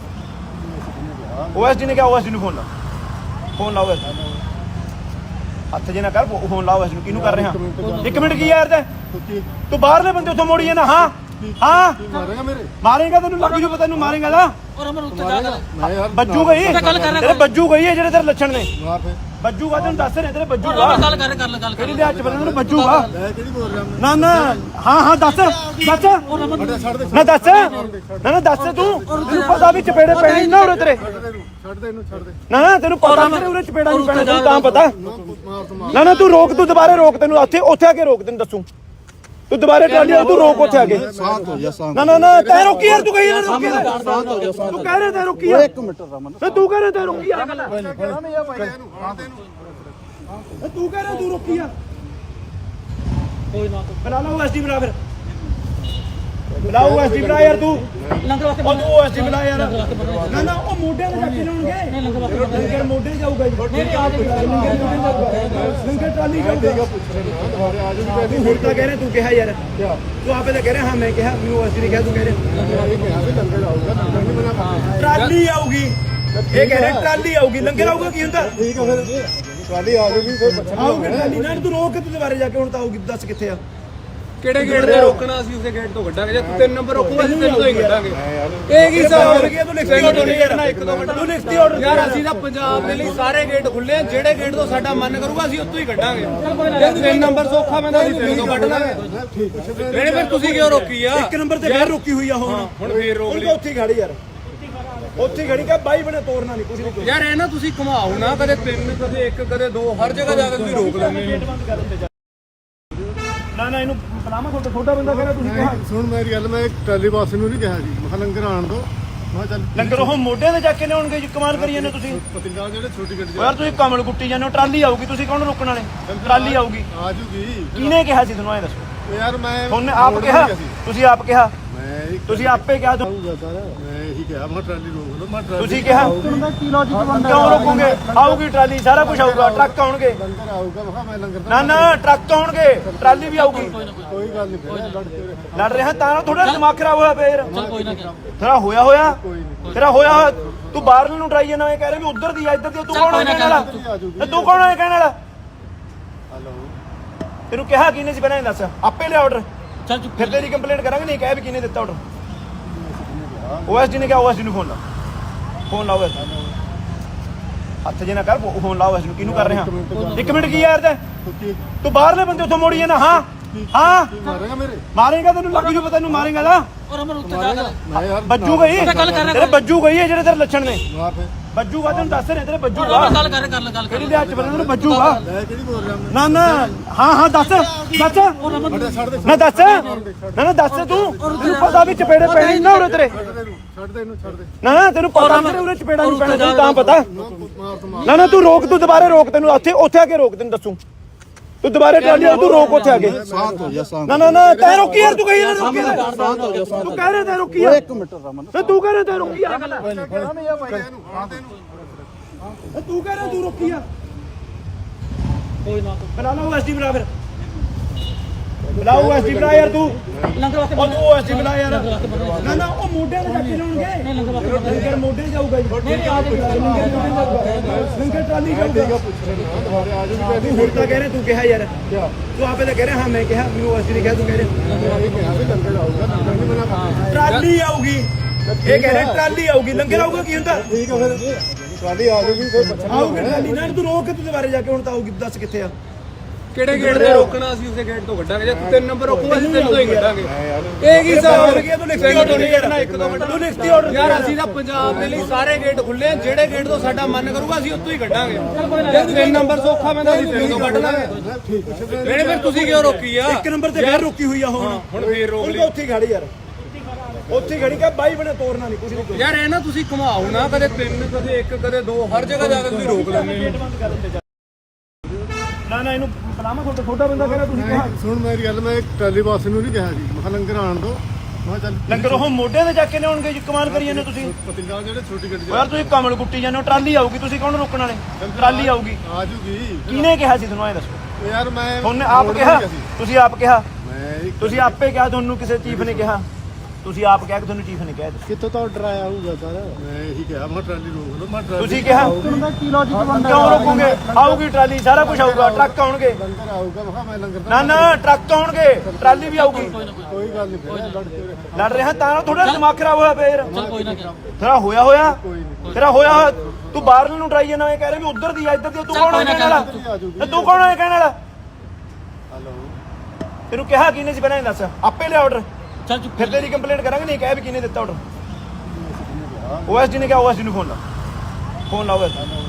Speaker 1: ਓਐਸਡੀ ਨੇ ਕਿਹਾ, ਓਐਸਡੀ ਨੂੰ ਫੋਨ ਲਾ, ਫੋਨ ਲਾਓ ਹੱਥ ਜੇ ਨਾ ਕਰ, ਫੋਨ ਲਾਓ ਓਐਸਡੀ ਨੂੰ। ਕਿਹਨੂੰ ਕਰ ਰਿਹਾ? 1 ਮਿੰਟ ਕੀ ਯਾਰ ਤੂੰ ਬਾਹਰਲੇ ਬੰਦੇ ਉੱਥੋਂ ਮੋੜੀ ਜਾਂਦਾ। ਹਾਂ ਹਾਂ
Speaker 2: ਮਾਰੇਗਾ ਮੇਰੇ
Speaker 1: ਮਾਰੇਗਾ, ਤੈਨੂੰ ਲੱਗ ਜੂ ਪਤਾ, ਤੈਨੂੰ ਮਾਰੇਗਾ ਨਾ
Speaker 3: ਔਰ ਅਮਰ ਉੱਤੇ ਜਾ ਕਰ
Speaker 2: ਮੈਂ ਯਾਰ
Speaker 1: ਬੱਜੂ ਗਈ
Speaker 3: ਗੱਲ ਕਰ ਰਿਹਾ
Speaker 1: ਤੇਰੇ ਬੱਜੂ ਗਈ ਹੈ ਜਿਹੜੇ ਤੇਰੇ ਲੱਛਣ ਨੇ।
Speaker 2: ਮਾਰ ਫੇ
Speaker 1: ਬੱਜੂਗਾ ਤੈਨੂੰ ਦੱਸ ਰਹੇ ਤੇਰੇ
Speaker 3: ਔਰ
Speaker 1: ਬੱਜੂਗਾ।
Speaker 3: ਅਮਰ ਗੱਲ ਕਰ ਗੱਲ
Speaker 1: ਕਿਹੜੀ ਦੇ ਹੱਥ ਬੰਨਣ ਨੂੰ ਬੱਜੂਗਾ?
Speaker 2: ਮੈਂ ਕਿਹੜੀ ਬੋਲ ਰਿਹਾ
Speaker 1: ਨਾ ਨਾ ਹਾਂ ਹਾਂ ਦੱਸ ਦੱਸ
Speaker 2: ਮੈਂ ਛੱਡ ਦੇ
Speaker 1: ਨਾ ਦੱਸ ਨਾ ਦੱਸ ਤੂੰ ਤੈਨੂੰ ਪਤਾ ਵੀ ਚਪੇੜੇ ਪੈਣੇ ਨਾ ਉਰੇ ਤੇਰੇ।
Speaker 2: ਛੱਡ ਦੇ ਇਹਨੂੰ ਛੱਡ ਦੇ
Speaker 1: ਨਾ ਨਾ ਤੈਨੂੰ ਪਤਾ ਤੇਰੇ ਉਰੇ ਚਪੇੜਾ ਨਹੀਂ ਪੈਣਾ ਤੈਨੂੰ ਤਾਂ ਪਤਾ।
Speaker 2: ਮਾਰ ਤੋਂ ਮਾਰ
Speaker 1: ਨਾ ਨਾ ਤੂੰ ਰੋਕ, ਤੂੰ ਦੁਬਾਰੇ ਰੋਕ, ਤੈਨੂੰ ਉੱਥੇ ਆ ਕੇ ਰੋਕ, ਤੈਨੂੰ ਦੱਸੂ ਤੂੰ ਦੁਬਾਰੇ ਟਰਾਲੀ ਵਾਲਾ ਤੂੰ ਰੋਕ ਉੱਥੇ ਆ ਕੇ।
Speaker 2: ਸਾਥ ਹੋ ਜਾ ਸਾਥ
Speaker 1: ਨਾ ਨਾ ਨਾ ਤੈ ਰੋਕੀ ਯਾਰ, ਤੂੰ ਕਹੀ ਯਾਰ ਰੋਕੀ ਯਾਰ। ਤੂੰ ਕਹਿ ਰਿਹਾ ਤੈ ਰੋਕੀ ਯਾਰ,
Speaker 2: 1 ਮਿੰਟ ਰਮਨ
Speaker 1: ਤੂੰ ਕਹਿ ਰਿਹਾ ਤੈ ਰੋਕੀ ਯਾਰ,
Speaker 2: ਇਹਨੂੰ ਹਾਂ ਦੇ ਇਹਨੂੰ
Speaker 1: ਤੂੰ ਕਹਿ ਰਿਹਾ ਤੂੰ ਰੋਕੀ ਯਾਰ।
Speaker 3: ਕੋਈ ਨਾ
Speaker 1: ਬਣਾ ਲਾ ਓਐਸਡੀ ਬਣਾ, ਫਿਰ ਬਣਾ ਓਐਸਡੀ ਬਣਾ ਯਾਰ ਤੂੰ।
Speaker 3: ਲੰਗਰ ਵਾਸਤੇ
Speaker 1: ਉਹ ਤੂੰ ਓਐਸਡੀ ਬਣਾ ਯਾਰ। ਨਾ ਨਾ ਉਹ ਮੋਢਿਆਂ ਤੇ ਚੱਕ ਕੇ ਲਾਉਣਗੇ,
Speaker 3: ਲੰਗਰ ਵਾਸਤੇ
Speaker 1: ਲੰਗਰ ਮੋਢੇ ਜਾਊਗਾ ਜੀ।
Speaker 3: ਨਹੀਂ ਆ
Speaker 1: ਲੰਗਰ ਟਰਾਲੀ ਜਾਊਗਾ।
Speaker 2: ਦੁਬਾਰੇ ਆ ਜਾਊਗੀ
Speaker 1: ਤੂੰ ਹੁਣ ਤਾਂ ਕਹਿ ਰਿਹਾ, ਤੂੰ ਕਿਹਾ ਯਾਰ, ਤੂੰ ਆਪੇ ਤਾਂ ਕਹਿ ਰਿਹਾ ਹਾਂ ਮੈਂ ਕਿਹਾ, ਮੈਨੂੰ ਓਐਸਡੀ ਨੇ ਕਿਹਾ, ਤੂੰ ਕਹਿ ਰਿਹਾ
Speaker 2: ਇਹ ਕਿਹਾ ਵੀ ਲੰਗਰ ਆਊਗਾ ਲੰਗਰ ਨਹੀਂ ਬਣਾ ਪਾਉਂਦੇ
Speaker 1: ਟਰਾਲੀ ਆਊਗੀ। ਇਹ ਕਹਿ ਰਿਹਾ ਟਰਾਲੀ ਆਊਗੀ, ਲੰਗਰ ਆਊਗਾ ਕੀ ਹੁੰਦਾ?
Speaker 2: ਠੀਕ ਹੈ ਫਿਰ ਟਰਾਲੀ ਆ ਜਾਊਗੀ ਫਿਰ ਪੁੱਛਣਾ
Speaker 1: ਆਊਗੀ ਟਰਾਲੀ ਨਾ, ਤੂੰ ਰੋਕ ਕੇ ਤੂੰ ਦੁਬਾਰੇ ਜਾ ਕੇ ਹੁਣ ਤਾਂ ਆਊਗੀ, ਦੱਸ ਕਿੱਥੇ ਆ?
Speaker 4: ਕਿਹੜੇ ਗੇਟ ਤੇ ਰੋਕਣਾ? ਅਸੀਂ ਉਸੇ ਗੇਟ ਤੋਂ ਕੱਢਾਂਗੇ। ਜੇ ਤੂੰ 3 ਨੰਬਰ ਰੋਕੂਗਾ ਅਸੀਂ 3 ਤੋਂ ਹੀ ਕੱਢਾਂਗੇ। ਇਹ ਕੀ ਹਿਸਾਬ ਹੋ ਗਿਆ? ਤੂੰ ਲਿਖਤੀ ਆਰਡਰ ਨਹੀਂ ਕਰਨਾ, 1 2 ਮਿੰਟ
Speaker 1: ਤੂੰ ਲਿਖਤੀ ਆਰਡਰ
Speaker 4: ਯਾਰ ਅਸੀਂ ਤਾਂ ਪੰਜਾਬ ਦੇ ਲਈ ਸਾਰੇ ਗੇਟ ਖੁੱਲੇ ਆ, ਜਿਹੜੇ ਗੇਟ ਤੋਂ ਸਾਡਾ ਮਨ ਕਰੂਗਾ ਅਸੀਂ ਉੱਥੋਂ ਹੀ ਕੱਢਾਂਗੇ। ਜੇ 3 ਨੰਬਰ ਸੌਖਾ ਪੈਂਦਾ ਅਸੀਂ 3 ਤੋਂ ਕੱਢ ਲਾਂਗੇ। ਨਹੀਂ ਫਿਰ ਤੁਸੀਂ ਕਿਉਂ ਰੋਕੀ ਆ?
Speaker 1: 1 ਨੰਬਰ ਤੇ ਫੇਰ ਰੋਕੀ ਹੋਈ ਆ ਹੁਣ
Speaker 4: ਫੇਰ ਰੋਕ
Speaker 1: ਹੁਣ ਤਾਂ ਉੱਥੇ ਹੀ ਖੜੀ ਯਾਰ, ਉੱਥੇ ਹੀ ਖੜੀ ਕਾ ਬਾਈ ਬਣੇ ਤੋੜਨਾ ਨਹੀਂ ਕੁਝ ਨਹੀਂ।
Speaker 4: ਯਾਰ ਇਹ ਨਾ ਤੁਸੀਂ ਘੁਮਾਓ ਨਾ, ਕਦੇ 3 ਕਦੇ 1 ਕਦੇ 2 ਹਰ ਜਗ੍ਹਾ ਜਾ ਕੇ ਤੁਸੀਂ ਰੋਕ ਲੈਂਦੇ ਹੋ।
Speaker 1: ਨਾ ਨਾ ਇਹਨੂੰ ਬੁਲਾਵਾ, ਛੋਟਾ ਬੰਦਾ ਕਹਿੰਦਾ ਤੁਸੀਂ ਕਿਹਾ
Speaker 2: ਸੁਣ ਮੇਰੀ ਗੱਲ, ਮੈਂ ਟਰਾਲੀ ਬਾਸ ਨੂੰ ਨਹੀਂ ਕਿਹਾ ਜੀ, ਮੈਂ ਕਿਹਾ ਲੰਗਰ ਆਣ ਦੋ। ਮੈਂ ਕਿਹਾ ਚੱਲ
Speaker 1: ਲੰਗਰ ਉਹ ਮੋਢਿਆਂ ਤੇ ਜਾ ਕੇ ਲਿਆਉਣਗੇ ਜੀ, ਕਮਾਲ ਕਰੀ ਜਾਂਦੇ ਤੁਸੀਂ।
Speaker 2: ਪਤਿੰਗਾ ਜਿਹੜੇ ਛੋਟੀ ਗੱਡੀ
Speaker 1: ਯਾਰ ਤੁਸੀਂ ਕਮਲ ਕੁੱਟੀ ਜਾਂਦੇ ਹੋ, ਟਰਾਲੀ ਆਊਗੀ, ਤੁਸੀਂ ਕੌਣ ਰੋਕਣ ਵਾਲੇ? ਟਰਾਲੀ ਆਊਗੀ।
Speaker 2: ਆ ਜੂਗੀ
Speaker 1: ਕਿਹਨੇ ਕਿਹਾ ਸੀ ਤੁਹਾਨੂੰ? ਐ ਦੱਸੋ,
Speaker 2: ਯਾਰ ਮੈਂ
Speaker 1: ਤੁਹਾਨੂੰ ਆਪ ਕਿਹਾ? ਤੁਸੀਂ ਆਪ ਕਿਹਾ?
Speaker 2: ਮੈਂ
Speaker 1: ਤੁਸੀਂ ਆਪੇ ਕਿਹਾ?
Speaker 2: ਆਊਗਾ ਸਰ ਮੈਂ ਇਹੀ ਕਿਹਾ ਮੈਂ ਟਰਾਲੀ ਰੋਕ ਲਓ ਮੈਂ ਟਰਾਲੀ
Speaker 1: ਤੁਸੀਂ ਕਿਹਾ
Speaker 2: ਕੀ ਲੌਜੀਕ ਬਣਦਾ
Speaker 1: ਕਿਉਂ ਰੋਕੋਗੇ? ਆਊਗੀ ਟਰਾਲੀ, ਸਾਰਾ ਕੁਝ ਆਊਗਾ, ਟਰੱਕ ਆਉਣਗੇ।
Speaker 2: ਲੰਗਰ ਆਊਗਾ ਮੈਂ ਕਿਹਾ ਮੈਂ ਲੰਗਰ
Speaker 1: ਨਾ ਨਾ ਟਰੱਕ ਆਉਣਗੇ, ਟਰਾਲੀ ਵੀ ਆਊਗੀ।
Speaker 2: ਕੋਈ ਗੱਲ ਨਹੀਂ ਫਿਰ ਲੜ ਕੇ
Speaker 1: ਲੜ ਰਿਹਾ ਤਾਂ ਥੋੜਾ ਦਿਮਾਗ ਖਰਾਬ ਹੋਇਆ ਫੇਰ
Speaker 3: ਚੱਲ ਕੋਈ ਨਾ
Speaker 1: ਤੇਰਾ ਹੋਇਆ ਤੇਰਾ ਹੋਇਆ ਤੂੰ ਬਾਹਰਲੇ ਨੂੰ ਟਰਾਈ ਜਾਂਦਾ ਇਹ ਕਹਿ ਰਿਹਾ ਵੀ ਉਧਰ ਦੀ ਆ ਇੱਧਰ ਦੀ ਆ, ਤੂੰ ਕੌਣ ਹੈ ਕਹਿਣ ਵਾਲਾ? ਤੇ ਤੂੰ ਕੌਣ ਹੈ ਕਹਿਣ ਵਾਲਾ?
Speaker 2: ਹਲੋ
Speaker 1: ਤੈਨੂੰ ਕਿਹਾ ਕਿਹਨੇ ਸੀ ਪਹਿਲਾਂ ਇਹ ਦੱਸ, ਆਪੇ ਲਿਆ ਆਰਡਰ,
Speaker 3: ਚੱਲ ਚੁੱਪ
Speaker 1: ਫਿਰ ਤੇਰੀ ਕੰਪਲੇਂਟ ਕਰਾਂਗੇ। ਨਹੀਂ ਕਹਿ ਵੀ ਕਿਹਨੇ ਦਿੱਤਾ ਆਰਡਰ? ਓਐਸਡੀ ਨੇ ਕਿਹਾ, ਓਐਸਡੀ ਨੂੰ ਫੋਨ ਲਾ, ਫੋਨ ਲਾਓ ਹੱਥ ਜੇ ਨਾ ਕਰ, ਫੋਨ ਲਾਓ ਓਐਸਡੀ ਨੂੰ। ਕਿਹਨੂੰ ਕਰ ਰਿਹਾ? 1 ਮਿੰਟ ਕੀ ਯਾਰ ਤੂੰ ਬਾਹਰਲੇ ਬੰਦੇ ਉੱਥੋਂ ਮੋੜੀ ਜਾਂਦਾ। ਹਾਂ ਹਾਂ
Speaker 2: ਮਾਰੇਗਾ ਮੇਰੇ
Speaker 1: ਮਾਰੇਗਾ, ਤੈਨੂੰ ਲੱਗ ਜੂ ਪਤਾ, ਤੈਨੂੰ ਮਾਰੇਗਾ ਨਾ
Speaker 3: ਔਰ ਅਮਰ ਉੱਤੇ ਜਾ ਕਰ
Speaker 2: ਮੈਂ ਯਾਰ
Speaker 1: ਬੱਜੂ ਗਈ
Speaker 3: ਗੱਲ ਕਰ ਰਿਹਾ
Speaker 1: ਤੇਰੇ ਬੱਜੂ ਗਈ ਹੈ ਜਿਹੜੇ ਤੇਰੇ ਲੱਛਣ ਨੇ।
Speaker 2: ਮਾਰ ਫੇ
Speaker 1: ਬੱਜੂਗਾ ਤੈਨੂੰ ਦੱਸ ਰਹੇ ਤੇਰੇ ਬੱਜੂਗਾ।
Speaker 3: ਔਰ ਗੱਲ ਕਰ
Speaker 1: ਕਿਹੜੀ ਦੇ ਹੱਥ ਬੰਨਣ ਨੂੰ ਬੱਜੂਗਾ?
Speaker 2: ਮੈਂ ਕਿਹੜੀ ਬੋਲ ਰਿਹਾ
Speaker 1: ਨਾ ਨਾ ਹਾਂ ਹਾਂ ਦੱਸ ਦੱਸ
Speaker 2: ਮੈਂ ਛੱਡ ਦੇ
Speaker 1: ਨਾ ਦੱਸ ਨਾ ਨਾ ਦੱਸ ਤੂੰ ਤੈਨੂੰ ਪਤਾ ਵੀ ਚਪੇੜੇ ਪੈਣੇ ਨਾ ਉਰੇ ਤੇਰੇ।
Speaker 2: ਛੱਡ ਦੇ ਇਹਨੂੰ ਛੱਡ ਦੇ
Speaker 1: ਨਾ ਨਾ ਤੈਨੂੰ ਪਤਾ ਤੇਰੇ ਉਰੇ ਚਪੇੜਾ ਨਹੀਂ ਪੈਣਾ ਤੈਨੂੰ ਤਾਂ ਪਤਾ।
Speaker 2: ਮਾਰ ਤੋਂ ਮਾਰ
Speaker 1: ਨਾ ਨਾ ਤੂੰ ਰੋਕ, ਤੂੰ ਦੁਬਾਰੇ ਰੋਕ, ਤੈਨੂੰ ਉੱਥੇ ਆ ਕੇ ਰੋਕ, ਤੈਨੂੰ ਦੱਸੂ ਤੂੰ ਦੁਬਾਰੇ ਟਰਾਲੀ ਵਾਲਾ ਤੂੰ ਰੋਕ ਉੱਥੇ ਆ ਕੇ।
Speaker 2: ਸਾਥ ਹੋ ਜਾ ਸਾਥ
Speaker 1: ਨਾ ਨਾ ਨਾ ਤੈ ਰੋਕੀ ਯਾਰ, ਤੂੰ ਕਹੀ ਯਾਰ ਰੋਕੀ ਯਾਰ।
Speaker 2: ਸਾਥ ਹੋ ਜਾ ਸਾਥ
Speaker 1: ਤੂੰ ਕਹਿ ਰਿਹਾ ਤੈ ਰੋਕੀ ਯਾਰ,
Speaker 2: 1 ਮਿੰਟ ਰਮਨ
Speaker 1: ਤੇ ਤੂੰ ਕਹਿ ਰਿਹਾ ਤੈ ਰੋਕੀ ਯਾਰ।
Speaker 2: ਇਹਨੂੰ ਹਾਂ ਦੇ ਇਹਨੂੰ
Speaker 1: ਤੂੰ ਕਹਿ ਰਿਹਾ ਤੂੰ ਰੋਕੀ ਯਾਰ।
Speaker 3: ਕੋਈ ਨਾ
Speaker 1: ਬਣਾ ਲਾ ਓਐਸਡੀ ਬਣਾ, ਫਿਰ ਬਣਾ ਓਐਸਡੀ ਬਣਾ ਯਾਰ ਤੂੰ।
Speaker 3: ਲੰਗਰ ਵਾਸਤੇ
Speaker 1: ਉਹ ਤੂੰ ਓਐਸਡੀ ਬਣਾ ਯਾਰ। ਨਾ ਨਾ ਉਹ ਮੋਢਿਆਂ ਤੇ ਚੱਕ ਕੇ ਲਾਉਣਗੇ,
Speaker 3: ਲੰਗਰ ਵਾਸਤੇ
Speaker 1: ਲੰਗਰ ਮੋਢੇ ਜਾਊਗਾ ਜੀ। ਲੰਗਰ ਟਰਾਲੀ ਜਾਊਗਾ।
Speaker 2: ਦੁਬਾਰੇ ਆ ਜਾਊਗੀ
Speaker 1: ਤੂੰ ਹੁਣ ਤਾਂ ਕਹਿ ਰਿਹਾ, ਤੂੰ ਕਿਹਾ ਯਾਰ, ਤੂੰ ਆਪੇ ਤਾਂ ਕਹਿ ਰਿਹਾ ਹਾਂ ਮੈਂ ਕਿਹਾ, ਮੈਨੂੰ ਓਐਸਡੀ ਨੇ ਕਿਹਾ, ਤੂੰ ਕਹਿ ਰਿਹਾ
Speaker 2: ਇਹ ਕਿਹਾ ਵੀ ਲੰਗਰ ਆਊਗਾ ਲੰਗਰ ਨਹੀਂ ਬਣਾ ਪਾਉਂਦੇ
Speaker 1: ਟਰਾਲੀ ਆਊਗੀ। ਇਹ ਕਹਿ ਰਿਹਾ ਟਰਾਲੀ ਆਊਗੀ, ਲੰਗਰ ਆਊਗਾ ਕੀ ਹੁੰਦਾ?
Speaker 2: ਠੀਕ ਹੈ ਫਿਰ ਟਰਾਲੀ ਆ ਜਾਊਗੀ ਫਿਰ ਪੁੱਛਣਾ
Speaker 1: ਆਊਗੀ ਟਰਾਲੀ ਨਾ, ਤੂੰ ਰੋਕ ਕੇ ਤੂੰ ਦੁਬਾਰੇ ਜਾ ਕੇ ਹੁਣ ਤਾਂ ਆਊਗੀ, ਦੱਸ ਕਿੱਥੇ ਆ?
Speaker 4: ਕਿਹੜੇ ਗੇਟ ਤੇ ਰੋਕਣਾ? ਅਸੀਂ ਉਸੇ ਗੇਟ ਤੋਂ ਕੱਢਾਂਗੇ। ਜੇ ਤੂੰ 3 ਨੰਬਰ ਰੋਕੂਗਾ ਅਸੀਂ 3 ਤੋਂ ਹੀ ਕੱਢਾਂਗੇ। ਇਹ ਕੀ ਹਿਸਾਬ ਹੋ ਗਿਆ?
Speaker 1: ਤੂੰ ਲਿਖਤੀ ਆਰਡਰ ਨਹੀਂ ਕਰਨਾ, 1 2 ਮਿੰਟ ਤੂੰ ਲਿਖਤੀ ਆਰਡਰ
Speaker 4: ਯਾਰ ਅਸੀਂ ਤਾਂ ਪੰਜਾਬ ਦੇ ਲਈ ਸਾਰੇ ਗੇਟ ਖੁੱਲੇ ਆ, ਜਿਹੜੇ ਗੇਟ ਤੋਂ ਸਾਡਾ ਮਨ ਕਰੂਗਾ ਅਸੀਂ ਉੱਥੋਂ ਹੀ ਕੱਢਾਂਗੇ। ਜੇ 3 ਨੰਬਰ ਸੌਖਾ ਪੈਂਦਾ ਅਸੀਂ 3 ਤੋਂ ਕੱਢ ਲਾਂਗੇ। ਨਹੀਂ ਫਿਰ ਤੁਸੀਂ ਕਿਉਂ ਰੋਕੀ ਆ?
Speaker 1: 1 ਨੰਬਰ ਤੇ ਫੇਰ ਰੋਕੀ ਹੋਈ ਆ ਹੁਣ
Speaker 4: ਫੇਰ ਰੋਕ
Speaker 1: ਹੁਣ ਤਾਂ ਉੱਥੇ ਹੀ ਖੜੀ ਯਾਰ, ਉੱਥੇ ਖੜੀ ਕਿ ਬਾਈ ਬਣੇ ਤੋੜਨਾ ਨਹੀਂ ਕੁਝ ਨਹੀਂ
Speaker 4: ਯਾਰ ਇਹ ਨਾ ਤੁਸੀਂ ਘੁਮਾਓ ਨਾ, ਕਦੇ 3 ਕਦੇ 1 ਕਦੇ 2 ਹਰ ਜਗ੍ਹਾ ਜਾ ਕੇ ਤੁਸੀਂ ਰੋਕ ਲੈਂਦੇ ਹੋ।
Speaker 1: ਗੇਟ ਬੰਦ ਕਰ ਦਿੰਦੇ ਨਾ ਇਹਨੂੰ ਬੁਲਾਵਾ ਤੁਹਾਡਾ ਛੋਟਾ ਬੰਦਾ ਕਹਿੰਦਾ ਤੁਸੀਂ ਕਿਹਾ
Speaker 2: ਸੁਣ ਮੇਰੀ ਗੱਲ, ਮੈਂ ਟਰਾਲੀ ਬਾਸ ਨੂੰ ਨਹੀਂ ਕਿਹਾ ਜੀ, ਮੈਂ ਕਿਹਾ ਲੰਗਰ ਆਣ ਦੋ। ਮੈਂ ਕਿਹਾ ਚੱਲ
Speaker 1: ਲੰਗਰ ਉਹ ਮੋਢੇ ਤੇ ਜਾ ਕੇ ਲਿਆਉਣਗੇ ਜੀ, ਕਮਾਲ ਕਰੀ ਜਾਂਦੇ ਤੁਸੀਂ।
Speaker 2: ਪਤੰਗਾ ਜਿਹੜੇ ਛੋਟੀ ਗੱਡੀ
Speaker 1: ਯਾਰ ਤੁਸੀਂ ਕਮਲ ਕੁੱਟੀ ਜਾਂਦੇ ਹੋ, ਟਰਾਲੀ ਆਊਗੀ, ਤੁਸੀਂ ਕੌਣ ਰੋਕਣ ਵਾਲੇ? ਟਰਾਲੀ ਆਊਗੀ।
Speaker 2: ਆ ਜੂਗੀ
Speaker 1: ਕਿਹਨੇ ਕਿਹਾ ਸੀ ਤੁਹਾਨੂੰ ਇਹ ਦੱਸੋ?
Speaker 2: ਯਾਰ ਮੈਂ
Speaker 1: ਤੁਹਾਨੂੰ ਆਪ ਕਿਹਾ? ਤੁਸੀਂ ਆਪ ਕਿਹਾ?
Speaker 2: ਮੈਂ
Speaker 1: ਤੁਸੀਂ ਆਪੇ ਕਿਹਾ? ਤੁਹਾਨੂੰ ਕਿਸੇ ਚੀਫ ਨੇ ਕਿਹਾ? ਤੁਸੀਂ ਆਪ ਕਿਹਾ ਕਿ ਤੁਹਾਨੂੰ ਚੀਫ ਨੇ ਕਿਹਾ?
Speaker 2: ਕਿੱਥੋਂ ਤੋਂ ਆਰਡਰ ਆਇਆ ਹੋਊਗਾ ਸਰ? ਮੈਂ ਇਹੀ ਕਿਹਾ, ਮੈਂ ਟਰਾਲੀ ਰੋਕ ਲਓ। ਮੈਂ ਟਰਾਲੀ
Speaker 1: ਤੁਸੀਂ ਕਿਹਾ?
Speaker 2: ਕੀ ਲੌਜੀਕ ਬਣਦਾ?
Speaker 1: ਕਿਉਂ ਰੋਕੋਗੇ? ਆਊਗੀ ਟਰਾਲੀ, ਸਾਰਾ ਕੁਝ ਆਊਗਾ, ਟਰੱਕ ਆਉਣਗੇ।
Speaker 2: ਲੰਗਰ ਆਊਗਾ, ਮੈਂ ਕਿਹਾ ਮੈਂ ਲੰਗਰ
Speaker 1: ਨਾ ਨਾ ਟਰੱਕ ਆਉਣਗੇ, ਟਰਾਲੀ ਵੀ ਆਊਗੀ।
Speaker 2: ਕੋਈ ਗੱਲ ਨਹੀਂ, ਫਿਰ ਲੜ ਕੇ
Speaker 1: ਲੜ ਰਿਹਾ ਤਾਂ ਥੋੜਾ ਦਿਮਾਗ ਖਰਾਬ ਹੋਇਆ ਪਿਆ ਯਾਰ।
Speaker 3: ਚੱਲ ਕੋਈ ਨਾ
Speaker 1: ਤੇਰਾ ਹੋਇਆ ਹੋਇਆ
Speaker 2: ਕੋਈ ਨਹੀਂ।
Speaker 1: ਤੇਰਾ ਹੋਇਆ ਹੋਇਆ। ਤੂੰ ਬਾਹਰ ਨੂੰ ਟਰਾਈ ਜਾਣਾ, ਇਹ ਕਹਿ ਰਿਹਾ ਵੀ ਉਧਰ ਦੀ ਆ ਇੱਧਰ ਦੀ ਆ। ਤੂੰ ਕੌਣ ਹੈ ਕਹਿਣ ਵਾਲਾ? ਤੇ ਤੂੰ ਕੌਣ ਹੈ ਕਹਿਣ ਵਾਲਾ?
Speaker 2: ਹਲੋ
Speaker 1: ਤੈਨੂੰ ਕਿਹਾ ਕਿਹਨੇ ਸੀ ਪਹਿਲਾਂ ਇਹ ਦੱਸ? ਆਪੇ ਲਿਆ ਆਰਡਰ,
Speaker 3: ਚੱਲ ਚੁੱਪ
Speaker 1: ਫਿਰ ਤੇਰੀ ਕੰਪਲੇਂਟ ਕਰਾਂਗੇ। ਨਹੀਂ ਕਹਿ ਵੀ ਕਿਹਨੇ ਦਿੱਤਾ ਆਰਡਰ? ਓਐਸਡੀ ਨੇ ਕਿਹਾ? ਓਐਸਡੀ ਨੂੰ ਫੋਨ ਲਾ, ਫੋਨ ਲਾਓ।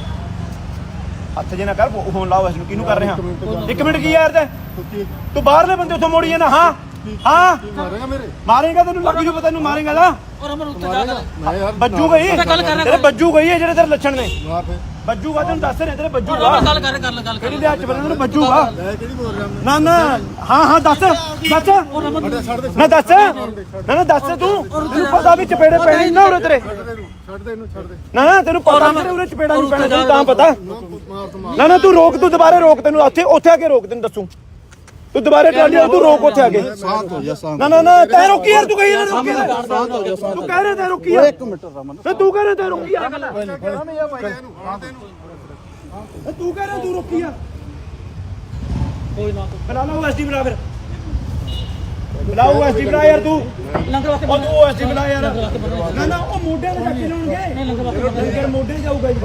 Speaker 1: ਹੱਥ ਜੇ ਨਾ ਕਰ, ਫੋਨ ਲਾਓ ਓਐਸਡੀ ਨੂੰ। ਕਿਹਨੂੰ ਕਰ ਰਿਹਾ? 1 ਮਿੰਟ ਕੀ ਯਾਰ ਤੇ ਤੂੰ ਬਾਹਰਲੇ ਬੰਦੇ ਉੱਥੋਂ ਮੋੜੀ ਜਾਣਾ। ਹਾਂ ਹਾਂ
Speaker 2: ਮਾਰੇਗਾ ਮੇਰੇ?
Speaker 1: ਮਾਰੇਗਾ, ਤੈਨੂੰ ਲੱਗ ਜੂ ਪਤਾ, ਤੈਨੂੰ ਮਾਰੇਗਾ ਨਾ।
Speaker 3: ਔਰ ਅਮਰ ਉੱਤੇ ਜਾ
Speaker 2: ਮੈਂ ਯਾਰ
Speaker 1: ਬੱਜੂ ਗਈ
Speaker 3: ਗੱਲ ਕਰ ਰਿਹਾ
Speaker 1: ਤੇਰੇ, ਬੱਜੂ ਗਈ ਹੈ ਜਿਹੜੇ ਤੇਰੇ ਲੱਛਣ ਨੇ।
Speaker 2: ਮਾਰ ਫੇ
Speaker 1: ਬੱਜੂਗਾ, ਤੈਨੂੰ ਦੱਸ ਰਹੇ ਤੇਰੇ ਬੱਜੂਗਾ।
Speaker 3: ਗੱਲ ਕਰ
Speaker 1: ਕਿਹੜੀ ਦੇ ਹੱਥ ਬੰਦੇ ਨੂੰ ਬੱਜੂਗਾ?
Speaker 2: ਮੈਂ ਕਿਹੜੀ ਬੋਲ ਰਿਹਾ ਮੈਂ?
Speaker 1: ਨਾ ਨਾ ਹਾਂ ਹਾਂ ਦੱਸ ਦੱਸ
Speaker 2: ਛੱਡ ਦੇ
Speaker 1: ਨਾ ਦੱਸ ਨਾ ਨਾ ਦੱਸ ਤੂੰ। ਤੈਨੂੰ ਪਤਾ ਵੀ ਚਪੇੜੇ ਪੈਣੇ ਨਾ ਉਰੇ ਤੇਰੇ।
Speaker 2: ਛੱਡ ਦੇ ਇਹਨੂੰ, ਛੱਡ ਦੇ।
Speaker 1: ਨਾ ਨਾ ਤੈਨੂੰ ਪਤਾ ਤੇਰੇ ਉਰੇ ਚਪੇੜਾ ਨਹੀਂ ਪੈਣਾ, ਤੈਨੂੰ ਤਾਂ ਪਤਾ।
Speaker 2: ਮਾਰ ਤੋਂ ਮਾਰ।
Speaker 1: ਨਾ ਨਾ ਤੂੰ ਰੋਕ, ਤੂੰ ਦੁਬਾਰੇ ਰੋਕ। ਤੈਨੂੰ ਉੱਥੇ ਆ ਕੇ ਰੋਕ, ਤੈਨੂੰ ਦੱਸੂ। ਤੂੰ ਦੁਬਾਰੇ ਟਰਾਲੀ ਆ, ਤੂੰ ਰੋਕ ਉੱਥੇ ਆ ਕੇ।
Speaker 2: ਸ਼ਾਂਤ ਹੋ ਜਾ, ਸ਼ਾਂਤ।
Speaker 1: ਨਾ ਨਾ ਨਾ ਤੈਂ ਰੋਕੀ ਯਾਰ, ਤੂੰ ਕਹੀ ਨਾ ਰੋਕੀ। ਤੂੰ ਕਹਿ ਰਿਹਾ ਤੈਂ ਰੋਕੀ ਆ।
Speaker 2: 1 ਮਿੰਟ ਰਮਨ।
Speaker 1: ਤੇ ਤੂੰ ਕਹਿ ਰਿਹਾ ਤੈਂ ਰੋਕੀ ਆ।
Speaker 2: ਇਹਨੂੰ ਮਾਰ ਦੇ ਇਹਨੂੰ।
Speaker 1: ਤੇ ਤੂੰ ਕਹਿ ਰਿਹਾ ਤੂੰ ਰੋਕੀ ਆ।
Speaker 3: ਕੋਈ ਨਾ
Speaker 1: ਬੁਲਾ ਲਓ ਐਸਡੀ, ਬੁਲਾ ਫਿਰ। ਬੁਲਾਓ ਐਸਡੀ, ਬੁਲਾ ਯਾਰ ਤੂੰ।
Speaker 3: ਲੰਗਰ ਵਾਸਤੇ
Speaker 1: ਉਹ ਤੂੰ ਐਸਡੀ ਬੁਲਾ ਯਾਰ। ਨਾ ਨਾ ਉਹ ਮੋਢਿਆਂ ਤੇ ਜਾ ਕੇ ਲਾਉਣਗੇ।
Speaker 3: ਲੰਗਰ ਵਾਸਤੇ
Speaker 1: ਲੰਗਰ ਮੋਢੇ ਜਾਊਗਾ ਜੀ।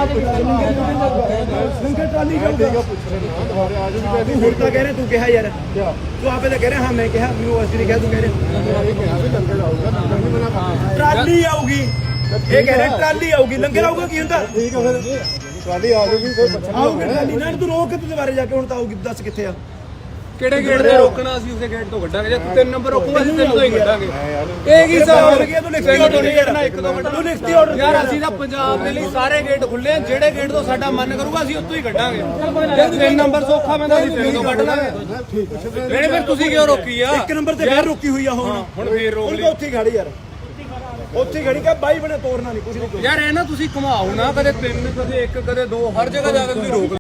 Speaker 1: ਲੰਗਰ ਟਰਾਲੀ ਜਾਊਗਾ।
Speaker 2: ਦੁਬਾਰੇ ਆ ਜੂਗੀ।
Speaker 1: ਤੂੰ ਹੁਣ ਤਾਂ ਕਹਿ ਰਿਹਾ, ਤੂੰ ਕਿਹਾ ਯਾਰ। ਤੂੰ ਆਪੇ ਤਾਂ ਕਹਿ ਰਿਹਾ ਹਾਂ ਮੈਂ ਕਿਹਾ, ਮੈਨੂੰ ਐਸਡੀ ਨੇ ਕਿਹਾ, ਤੂੰ ਕਹਿ ਰਿਹਾ
Speaker 2: ਇਹ ਕਿਹਾ ਵੀ ਲੰਗਰ ਆਊਗਾ, ਲੰਗਰ ਨਹੀਂ ਮਨਾ ਕਰਦਾ।
Speaker 1: ਟਰਾਲੀ ਆਊਗੀ। ਇਹ ਕਹਿ ਰਿਹਾ ਟਰਾਲੀ ਆਊਗੀ। ਲੰਗਰ ਆਊਗਾ ਕੀ ਹੁੰਦਾ?
Speaker 2: ਠੀਕ ਹੈ ਫਿਰ ਟਰਾਲੀ ਆ ਜੂਗੀ, ਫਿਰ ਪੁੱਛਣਾ
Speaker 1: ਆਊਗੀ ਟਰਾਲੀ। ਨਾ ਤੂੰ ਰੋਕ ਤੇ ਦੁਬਾਰੇ ਜਾ ਕੇ, ਹੁਣ ਤਾਂ ਆਊਗੀ। ਦੱਸ ਕਿੱਥੇ ਆ?
Speaker 4: ਕਿਹੜੇ ਗੇਟ ਤੇ ਰੋਕਣਾ? ਅਸੀਂ ਉਸੇ ਗੇਟ ਤੋਂ ਕੱਢਾਂਗੇ। ਜੇ ਤੂੰ 3 ਨੰਬਰ ਰੋਕੂਗਾ ਅਸੀਂ 3 ਤੋਂ ਹੀ ਕੱਢਾਂਗੇ। ਇਹ ਕੀ ਹਿਸਾਬ ਹੋ ਗਿਆ?
Speaker 1: ਤੂੰ ਲਿਖਤੀ ਆਰਡਰ ਨਹੀਂ ਕਰਨਾ। 1-2 ਮਿੰਟ ਤੂੰ ਲਿਖਤੀ ਆਰਡਰ
Speaker 4: ਯਾਰ ਅਸੀਂ ਤਾਂ ਪੰਜਾਬ ਦੇ ਲਈ ਸਾਰੇ ਗੇਟ ਖੁੱਲੇ ਆ, ਜਿਹੜੇ ਗੇਟ ਤੋਂ ਸਾਡਾ ਮਨ ਕਰੂਗਾ ਅਸੀਂ ਉੱਥੋਂ ਹੀ ਕੱਢਾਂਗੇ। ਜੇ 3 ਨੰਬਰ ਸੌਖਾ ਪੈਂਦਾ ਅਸੀਂ 3 ਤੋਂ ਕੱਢ ਲਾਂਗੇ। ਨਹੀਂ ਫਿਰ ਤੁਸੀਂ ਕਿਉਂ ਰੋਕੀ ਆ?
Speaker 1: 1 ਨੰਬਰ ਤੇ ਫੇਰ ਰੋਕੀ ਹੋਈ ਆ ਹੁਣ
Speaker 4: ਫੇਰ ਰੋਕ
Speaker 1: ਹੁਣ ਤਾਂ ਉੱਥੇ ਹੀ ਖੜੀ ਯਾਰ। ਉੱਥੇ ਹੀ ਖੜੀ ਕਿ ਬਾਈ ਬਣੇ ਤੋੜਨਾ ਨਹੀਂ ਕੁਝ ਨਹੀਂ।
Speaker 4: ਯਾਰ ਇਹ ਨਾ ਤੁਸੀਂ ਘੁਮਾਓ ਨਾ, ਕਦੇ 3 ਕਦੇ 1 ਕਦੇ 2 ਹਰ ਜਗ੍ਹਾ ਜਾ ਕੇ ਤੁਸੀਂ ਰੋਕ